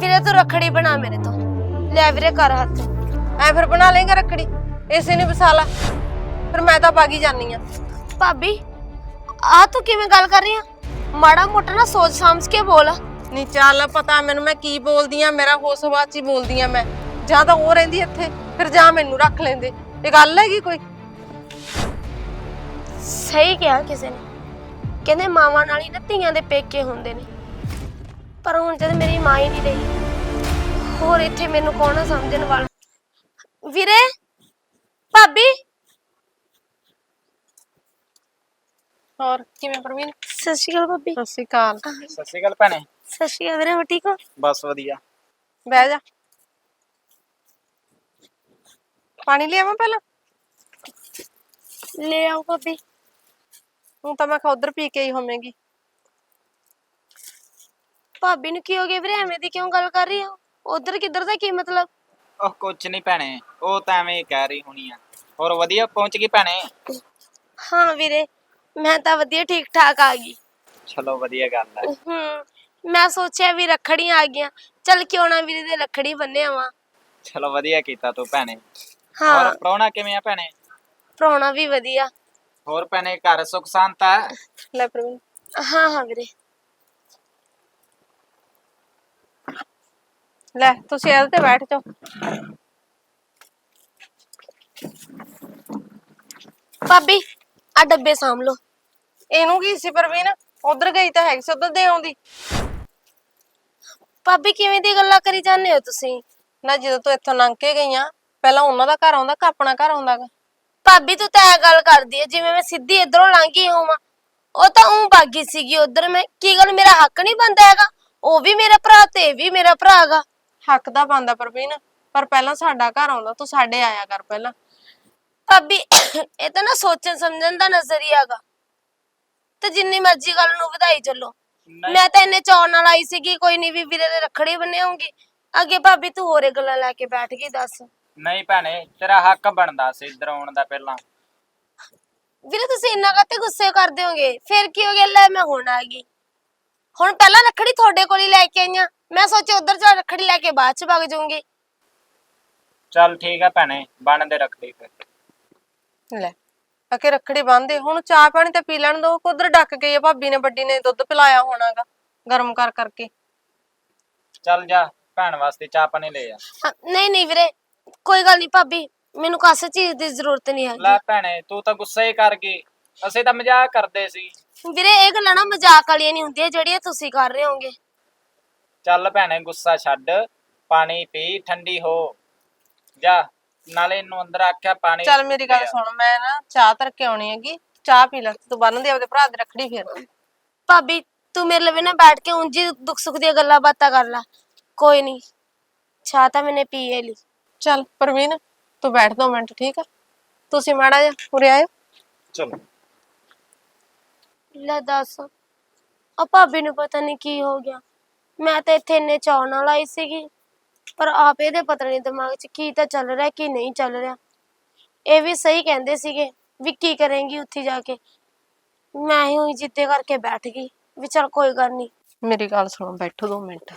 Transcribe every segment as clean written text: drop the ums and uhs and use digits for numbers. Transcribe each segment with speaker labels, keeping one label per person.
Speaker 1: ਵੀਰੇ ਤੂੰ ਰੱਖੜੀ ਬਣਾ ਮੇਰੇ ਤੋਂ। ਲੈ ਵੀਰੇ ਕਰ ਹੱਥ।
Speaker 2: ਐ ਫਿਰ ਬਣਾ ਲੇਗਾ ਰੱਖੜੀ? ਇਸੇ ਨੇ ਵਸਾ ਲਾ। ਫਿਰ ਮੈਂ ਤਾਂ ਬਾਗੀ ਜਾਨੀ ਆ।
Speaker 1: ਭਾਬੀ ਆ ਤੂੰ ਕਿਵੇਂ ਗੱਲ ਕਰ ਰਹੀ ਆ? ਮਾੜਾ ਮੋਟਾ ਨਾ ਸੋਚ ਸਮਝ ਕੇ ਬੋਲ।
Speaker 2: ਨਹੀਂ ਚੱਲ ਪਤਾ ਮੈਨੂੰ ਮੈਂ ਕੀ ਬੋਲਦੀ ਆ, ਮੇਰਾ ਹੋਸ਼ ਹਵਾਸ ਚ ਹੀ ਬੋਲਦੀ ਆ ਮੈਂ। ਜਾਂ ਤਾਂ ਉਹ ਰਹਿੰਦੀ ਇੱਥੇ, ਫਿਰ ਜਾਂ ਮੈਨੂੰ ਰੱਖ ਲੈਂਦੇ। ਇਹ ਗੱਲ ਹੈਗੀ ਕੋਈ?
Speaker 1: ਸਹੀ ਕਿਹਾ ਕਿਸੇ ਨੇ, ਕਹਿੰਦੇ ਮਾਵਾਂ ਨਾਲ ਹੀ ਨਾ ਧੀਆਂ ਦੇ ਪੇਕੇ ਹੁੰਦੇ ਨੇ। ਪਰ ਹੁਣ ਜਦ ਮੇਰੀ ਮਾਂ ਹੀ ਨਹੀਂ ਰਹੀ, ਹੋਰ ਇੱਥੇ ਮੈਨੂੰ ਕੌਣ ਆ ਸਮਝਣ ਵਾਲਾ? ਵੀਰੇ, ਭਾਬੀ।
Speaker 2: ਹੋਰ ਕਿਵੇਂ ਪ੍ਰਵੀਨ?
Speaker 1: ਸਤਿ ਸ਼੍ਰੀ ਅਕਾਲ ਭਾਬੀ।
Speaker 2: ਸਤਿ ਸ਼੍ਰੀ ਅਕਾਲ।
Speaker 3: ਸਤਿ ਸ਼੍ਰੀ ਅਕਾਲ ਭੈਣੇ।
Speaker 1: ਸਤਿ ਸ਼੍ਰੀ ਅਕਾਲ ਵੀਰੇ, ਹੋ ਠੀਕ ਹੋ?
Speaker 3: ਬਸ ਵਧੀਆ।
Speaker 2: ਬਹਿ ਜਾ, ਪਾਣੀ ਲਿਆਵਾਂ ਪਹਿਲਾਂ?
Speaker 1: ਲੈ ਆਓ ਭਾਬੀ।
Speaker 2: ਹੁਣ ਤਾਂ ਮੈਂ ਕਿਹਾ ਉਧਰ ਪੀ ਕੇ ਹੀ ਹੋਵੇਂਗੀ।
Speaker 1: ਭਾਬੀ ਨੂੰ ਕੀ ਹੋ ਗਿਆ ਵੀਰੇ? ਐਵੇਂ ਦੀ ਕਿਉਂ ਗੱਲ ਕਰ ਰਹੀ ਆ? ਉਧਰ ਕਿੱਧਰ ਦਾ ਕੀ ਮਤਲਬ?
Speaker 3: ਉਹ ਕੁਛ ਨਹੀਂ ਭੈਣੇ, ਉਹ ਤਾਂ ਐਵੇਂ ਹੀ ਕਹਿ ਰਹੀ ਹੋਣੀ ਆ। ਹੋਰ ਵਧੀਆ ਪਹੁੰਚ ਗਈ ਭੈਣੇ?
Speaker 1: ਹਾਂ ਵੀਰੇ, ਮੈਂ ਤਾਂ ਵਧੀਆ ਠੀਕ ਠਾਕ ਆ ਗਈ।
Speaker 3: ਚਲੋ ਵਧੀਆ ਗੱਲ ਹੈ।
Speaker 1: ਮੈਂ ਸੋਚਿਆ ਵੀ ਰੱਖੜੀਆਂ ਆ ਗਈਆਂ, ਚੱਲ ਕਿਉਂ ਨਾ ਵੀਰੇ ਦੇ ਰੱਖੜੀ ਬੰਨ੍ਹ ਆਵਾਂ।
Speaker 3: ਚਲੋ ਵਧੀਆ ਕੀਤਾ ਤੂੰ ਭੈਣੇ।
Speaker 1: ਹਾਂ,
Speaker 3: ਹੋਰ ਪ੍ਰਾਹੁਣਾ ਕਿਵੇਂ ਆ ਭੈਣੇ?
Speaker 1: ਪ੍ਰਾਹੁਣਾ ਵੀ ਵਧੀਆ।
Speaker 3: ਹੋਰ ਭੈਣੇ ਘਰ ਸੁੱਖ ਸ਼ਾਂਤ ਹੈ?
Speaker 2: ਲੈ ਪ੍ਰਵੀਨ।
Speaker 1: ਹਾਂ ਹਾਂ ਵੀਰੇ।
Speaker 2: ਲੈ ਤੁਸੀਂ ਇਹਦੇ ਤੇ ਬੈਠ ਜਾਓ।
Speaker 1: ਭਾਬੀ ਆ ਡੱਬੇ ਸਾਂਭ ਲਓ।
Speaker 2: ਇਹਨੂੰ ਕੀ ਸੀ ਪ੍ਰਵੀਨ? ਉਧਰ ਗਈ ਤਾਂ ਹੈਗੀ ਸੀ, ਉਧਰ ਦੇ ਆਉਂਦੀ।
Speaker 1: ਭਾਬੀ ਕਿਵੇਂ ਦੀ ਗੱਲਾਂ ਕਰੀ ਜਾਂਦੇ ਹੋ ਤੁਸੀਂ?
Speaker 2: ਨਾ ਜਦੋਂ ਤੂੰ ਇੱਥੋਂ ਲੰਘ ਕੇ ਗਈਆਂ, ਪਹਿਲਾਂ ਉਹਨਾਂ ਦਾ ਘਰ ਆਉਂਦਾ ਕਿ ਆਪਣਾ ਘਰ ਆਉਂਦਾ ਗਾ?
Speaker 1: ਭਾਬੀ ਤੂੰ ਤਾਂ ਇਹ ਗੱਲ ਕਰਦੀ ਹੈ ਜਿਵੇਂ ਮੈਂ ਸਿੱਧੀ ਇਧਰੋਂ ਲੰਘੀ ਹੋਵਾਂ। ਉਹ ਤਾਂ ਬਾਗੀ ਸੀਗੀ ਉਧਰ। ਮੈਂ ਕੀ ਗੱਲ, ਮੇਰਾ ਹੱਕ ਨਹੀਂ ਬਣਦਾ ਹੈਗਾ? ਉਹ ਵੀ ਮੇਰਾ ਭਰਾ ਤੇ ਇਹ ਵੀ ਮੇਰਾ ਭਰਾ ਹੈਗਾ।
Speaker 2: ਹੱਕ ਦਾ ਬਣਦਾ ਪ੍ਰਵੀਨ, ਪਰ ਪਹਿਲਾਂ ਸਾਡਾ ਘਰ ਆਉਂਦਾ, ਤੂੰ ਸਾਡੇ ਆਇਆ ਕਰ ਪਹਿਲਾਂ।
Speaker 1: ਭਾਬੀ ਇਹ ਤਾਂ ਨਾ ਸੋਚਣ ਸਮਝਣ ਦਾ ਨਜ਼ਰੀਆ ਹੈਗਾ, ਤੇ ਜਿੰਨੀ ਮਰਜ਼ੀ ਗੱਲ ਨੂੰ ਵਧਾਈ ਚੱਲੋ।
Speaker 3: ਨਹੀਂ
Speaker 1: ਮੈਂ ਤਾਂ ਇੰਨੇ ਚਾਅ ਨਾਲ ਆਈ ਸੀਗੀ, ਕੋਈ ਨਹੀਂ ਵੀ ਵੀਰੇ ਦੇ ਰੱਖੜੀ ਬੰਨ੍ਹਾਉਂਗੀ। ਅੱਗੇ ਭਾਬੀ ਤੂੰ ਹੋਰੇ ਗੱਲਾਂ ਲੈ ਕੇ ਬੈਠ ਗਈ। ਦੱਸ
Speaker 3: ਨਹੀਂ ਭੈਣੇ, ਤੇਰਾ ਹੱਕ ਬਣਦਾ ਸੀ ਇੱਧਰ ਆਉਣ ਦਾ ਪਹਿਲਾਂ।
Speaker 1: ਵੀਰੇ, ਤੁਸੀਂ ਇੰਨਾ ਕਾਤੇ ਗੁੱਸੇ ਕਰਦੇ ਹੋਗੇ? ਫਿਰ ਕੀ ਹੋ ਗਿਆ? ਲੈ ਮੈਂ ਹੁਣ ਆ ਗਈ। ਹੁਣ ਪਹਿਲਾਂ ਰੱਖੜੀ ਤੁਹਾਡੇ ਕੋਲ ਹੀ ਲੈ ਕੇ ਆਈਆਂ, ਮੈਂ ਸੋਚਿਆ ਉਧਰ ਜਾ ਰੱਖੜੀ ਲੈ ਕੇ ਬਾਅਦ ਚ ਵਗ ਜਾਊਂਗੀ।
Speaker 3: ਚੱਲ ਠੀਕ ਆ ਭੈਣੇ, ਬਣ ਦੇ ਰੱਖੜੀ ਫਿਰ।
Speaker 2: ਲੈ ਅਕੇ ਰੱਖੜੀ ਬੰਨ੍ਹਦੇ, ਹੁਣ ਚਾਹ ਪਾਣੀ ਤੇ ਪੀ ਲੈਣ ਦੋ। ਉਧਰ ਡੱਕ ਗਈ ਆ ਭਾਬੀ ਨੇ, ਵੱਡੀ ਨੇ ਦੁੱਧ ਪਿਲਾਇਆ ਹੋਣਾਗਾ ਗਰਮ ਕਰ ਕਰਕੇ।
Speaker 3: ਚੱਲ ਜਾ ਭੈਣ ਵਾਸਤੇ ਚਾਹ ਪਾਣੀ ਲੈ ਆ।
Speaker 1: ਨਹੀਂ ਨਹੀਂ ਵੀਰੇ, ਕੋਈ ਗੱਲ ਨਹੀਂ ਭਾਬੀ, ਮੈਨੂੰ ਕਾਸੇ ਚੀਜ਼ ਦੀ ਜ਼ਰੂਰਤ ਨਹੀਂ ਹੈਗੀ।
Speaker 3: ਲੈ ਭੈਣੇ ਤੂੰ ਤਾਂ ਗੁੱਸਾ ਹੀ ਕਰ ਗਈ, ਅਸੀਂ ਤਾਂ ਮਜ਼ਾਕ ਕਰਦੇ ਸੀ।
Speaker 1: ਵੀਰੇ ਇਹ ਗੱਲਾਂ ਨਾ ਮਜ਼ਾਕ ਵਾਲੀਆਂ ਨਹੀਂ ਹੁੰਦੀਆਂ ਜਿਹੜੀਆਂ ਤੁਸੀਂ ਕਰ ਰਹੇ ਹੋਗੇ।
Speaker 3: ਚੱਲ ਭੈਣੇ ਗੁੱਸਾ ਛੱਡ, ਪਾਣੀ ਪੀ, ਠੰਡੀ ਹੋ ਜਾ। ਨਾਲੇ ਇਹਨੂੰ ਅੰਦਰ ਆਖਿਆ ਪਾਣੀ।
Speaker 2: ਚੱਲ ਮੇਰੀ ਗੱਲ ਸੁਣ, ਮੈਂ ਨਾ ਚਾਹ ਧਰ ਕੇ ਆਉਣੀ ਹੈਗੀ, ਚਾਹ ਪੀ ਲੈ ਤੂੰ। ਬੰਨ੍ਹਦੇ ਆਪਦੇ ਭਰਾ ਦੀ ਰੱਖੜੀ ਫਿਰ।
Speaker 1: ਭਾਬੀ ਤੂੰ ਮੇਰੇ ਲਵੇ ਨਾ ਬੈਠ ਕੇ ਉਂਝ ਹੀ ਦੁੱਖ ਸੁੱਖ ਦੀਆਂ ਗੱਲਾਂ ਬਾਤਾਂ ਕਰ ਲੈ। ਕੋਈ ਨਹੀਂ, ਚਾਹ ਤਾਂ ਮੈਨੇ ਪੀ ਹੀ ਲਈ।
Speaker 2: ਚੱਲ ਪ੍ਰਵੀਨ ਤੂੰ ਬੈਠ 2 ਮਿੰਟ, ਠੀਕ ਆ? ਤੁਸੀਂ ਮਾੜਾ ਜਿਹਾ ਉਰੇ ਆਇਓ।
Speaker 3: ਚਲੋ।
Speaker 1: ਲੈ ਦੱਸ, ਆ ਭਾਬੀ ਨੂੰ ਪਤਾ ਨਹੀਂ ਕੀ ਹੋ ਗਿਆ। ਮੈਂ ਤਾਂ ਇੱਥੇ ਇੰਨੇ ਚਾਅ ਨਾਲ ਆਈ ਸੀਗੀ, ਪਰ ਆਪ ਇਹਦੇ ਪਤਾ ਨਹੀਂ ਦਿਮਾਗ 'ਚ ਕੀ ਤਾਂ ਚੱਲ ਰਿਹਾ ਕੀ ਨਹੀਂ ਚੱਲ ਰਿਹਾ। ਇਹ ਵੀ ਸਹੀ ਕਹਿੰਦੇ ਸੀਗੇ ਵੀ ਕੀ ਕਰੇਂਗੀ ਉੱਥੇ ਜਾ ਕੇ। ਮੈਂ ਹੀ ਉਹੀ ਜਿੱਦੇ ਕਰਕੇ ਬੈਠ ਗਈ ਵੀ ਚੱਲ ਕੋਈ ਗੱਲ ਨਹੀਂ।
Speaker 2: ਮੇਰੀ ਗੱਲ ਸੁਣੋ, ਬੈਠੋ 2 ਮਿੰਟ।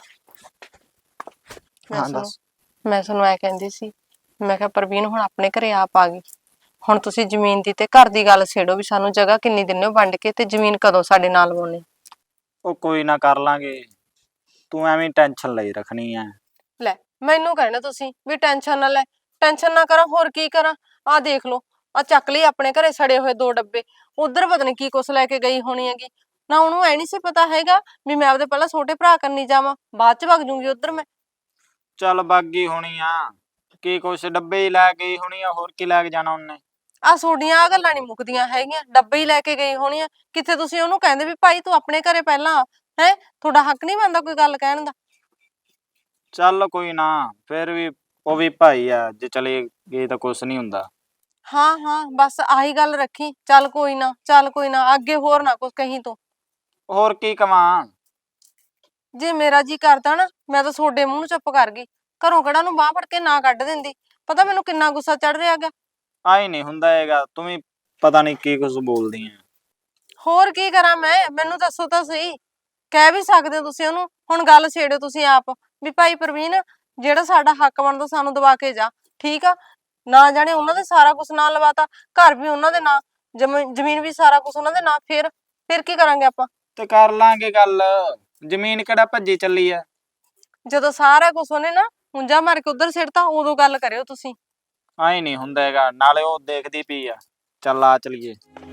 Speaker 3: ਹਾਂ ਦੱਸ।
Speaker 2: ਮੈਂ ਤੁਹਾਨੂੰ ਐ ਕਹਿੰਦੀ ਸੀ, ਮੈਂ ਕਿਹਾ ਪ੍ਰਵੀਨ ਹੁਣ ਆਪਣੇ ਘਰੇ ਆਪ ਆ ਗਈ। ਹੁਣ ਤੁਸੀਂ ਜ਼ਮੀਨ ਦੀ ਤੇ ਘਰ ਦੀ ਗੱਲ ਛੇੜੋ ਵੀ ਸਾਨੂੰ ਜਗ੍ਹਾ ਕਿੰਨੀ ਦਿੰਦੇ ਹੋ ਵੰਡ ਕੇ, ਤੇ ਜ਼ਮੀਨ ਕਦੋਂ ਸਾਡੇ ਨਾਲ ਵਾਉਣੀ?
Speaker 3: ਉਹ ਕੋਈ ਨਾ ਕਰ ਲਾਂਗੇ, ਤੂੰ ਐਵੇਂ ਟੈਨਸ਼ਨ ਲਈ ਰੱਖਣੀ ਐ।
Speaker 2: ਲੈ ਮੈਨੂੰ ਕਹਿਣਾ ਤੁਸੀਂ ਵੀ ਟੈਨਸ਼ਨ ਨਾ ਲੈ। ਟੈਨਸ਼ਨ ਨਾ ਕਰਾਂ, ਹੋਰ ਕੀ ਕਰਾਂ? ਆਹ ਦੇਖ ਲਓ, ਆ ਚੱਕ ਲਈ ਆਪਣੇ ਘਰੇ ਸੜੇ ਹੋਏ 2 ਡੱਬੇ। ਉਧਰ ਪਤਾ ਨੀ ਕੀ ਕੁਛ ਲੈ ਕੇ ਗਈ ਹੋਣੀ ਹੈਗੀ। ਨਾ ਉਹਨੂੰ ਐ ਨਹੀਂ ਸੀ ਪਤਾ ਹੈਗਾ ਵੀ ਮੈਂ ਆਪਦੇ ਪਹਿਲਾਂ ਛੋਟੇ ਭਰਾ ਕਰਨੀ ਜਾਵਾਂ, ਬਾਅਦ ਚ ਵਗ ਜੂੰਗੀ ਉਧਰ ਮੈਂ।
Speaker 3: ਚੱਲ ਬਾਗੀ ਹੋਣੀ ਆ, ਕੀ ਕੁਛ ਡੱਬੇ ਹੀ ਲੈ ਗਈ ਹੋਣੀ ਆ, ਹੋਰ ਕੀ ਲੈ ਕੇ ਜਾਣਾ ਉਹਨੇ?
Speaker 2: ਆ ਤੁਹਾਡੀਆਂ ਆ ਗੱਲਾਂ ਨੀ ਮੁੱਕਦੀਆਂ ਹੈਗੀਆਂ, ਡੱਬੇ ਹੀ ਲੈ ਕੇ ਗਈ ਹੋਣੀ ਆ। ਕਿੱਥੇ ਤੁਸੀਂ ਉਹਨੂੰ ਕਹਿੰਦੇ ਵੀ ਭਾਈ ਤੂੰ ਆਪਣੇ ਘਰੇ ਪਹਿਲਾਂ ਹੈ? ਤੁਹਾਡਾ ਹੱਕ ਨਹੀਂ ਬਣਦਾ ਕੋਈ ਗੱਲ ਕਹਿਣ ਦਾ?
Speaker 3: ਚੱਲ ਕੋਈ ਨਾ, ਫਿਰ ਵੀ ਉਹ ਵੀ ਭਾਈ ਆ, ਜੇ ਚਲੇ ਗਏ ਤਾਂ ਕੁਛ ਨਹੀਂ ਹੁੰਦਾ।
Speaker 2: ਹਾਂ ਹਾਂ ਬਸ ਆਹੀ ਗੱਲ ਰੱਖੀ। ਚੱਲ ਕੋਈ ਨਾ, ਚੱਲ ਕੋਈ ਨਾ, ਅੱਗੇ ਹੋਰ ਨਾ ਕੁਛ ਕਹੀਂ ਤੂੰ।
Speaker 3: ਹੋਰ ਕੀ ਕਵਾਂ?
Speaker 2: ਜੇ ਮੇਰਾ ਜੀ ਕਰਦਾ ਨਾ, ਮੈਂ ਤਾਂ ਤੁਹਾਡੇ ਮੂੰਹ ਨੂੰ ਚੁੱਪ ਕਰ ਗਈ। ਘਰੋਂ ਕਿਹੜਾ ਨੂੰ ਬਾਂਹ ਫੜ ਕੇ ਨਾ ਕੱਢ ਦਿੰਦੀ। ਪਤਾ ਮੈਨੂੰ ਕਿੰਨਾ ਗੁੱਸਾ ਚੜ ਰਿਹਾ ਹੈਗਾ।
Speaker 3: ਆਈ ਨਹੀਂ ਹੁੰਦਾ ਹੈਗਾ, ਤੂੰ ਵੀ ਪਤਾ ਨਹੀਂ ਕੀ ਕੁਛ ਬੋਲਦੀ ਆ।
Speaker 2: ਹੋਰ ਕੀ ਕਰਾਂ ਮੈਂ? ਮੈਨੂੰ ਦੱਸੋ ਤਾਂ ਸਹੀ। ਕਹਿ ਵੀ ਸਕਦੇ ਹੋ ਤੁਸੀਂ ਉਹਨੂੰ ਹੁਣ ਗੱਲ ਛੇੜੋ ਤੁਸੀਂ ਆਪ ਵੀ ਭਾਈ ਪ੍ਰਵੀਨ ਜਿਹੜਾ ਸਾਡਾ ਹੱਕ ਬਣਦਾ ਸਾਨੂੰ ਦਵਾ ਕੇ ਜਾ, ਠੀਕ ਆ। ਨਾ ਜਾਣੇ ਉਹਨਾਂ ਦੇ ਸਾਰਾ ਕੁਝ ਨਾਂ ਲਵਾਤਾ, ਘਰ ਵੀ ਉਹਨਾਂ ਦੇ ਨਾਂ, ਜ਼ਮੀਨ ਵੀ ਸਾਰਾ ਕੁਝ ਉਹਨਾਂ ਦੇ ਨਾਂ, ਫਿਰ ਕੀ ਕਰਾਂਗੇ ਆਪਾਂ?
Speaker 3: ਤੇ ਕਰ ਲਾਂਗੇ ਗੱਲ, ਜ਼ਮੀਨ ਕਿਹੜਾ ਭੱਜੀ ਚੱਲੀ ਆ।
Speaker 2: ਜਦੋਂ ਸਾਰਾ ਕੁਝ ਉਹਨੇ ਨਾ ਹੁੰਜਾ ਮਾਰ ਕੇ ਉਧਰ ਸਿੱਟਤਾ ਉਦੋਂ ਗੱਲ ਕਰਿਓ ਤੁਸੀਂ।
Speaker 3: ਆਈ ਨਹੀਂ ਹੁੰਦਾ ਹੈਗਾ, ਨਾਲੇ ਉਹ ਦੇਖਦੀ ਪਈ ਆ। ਚੱਲ ਆ ਚਲੀਏ।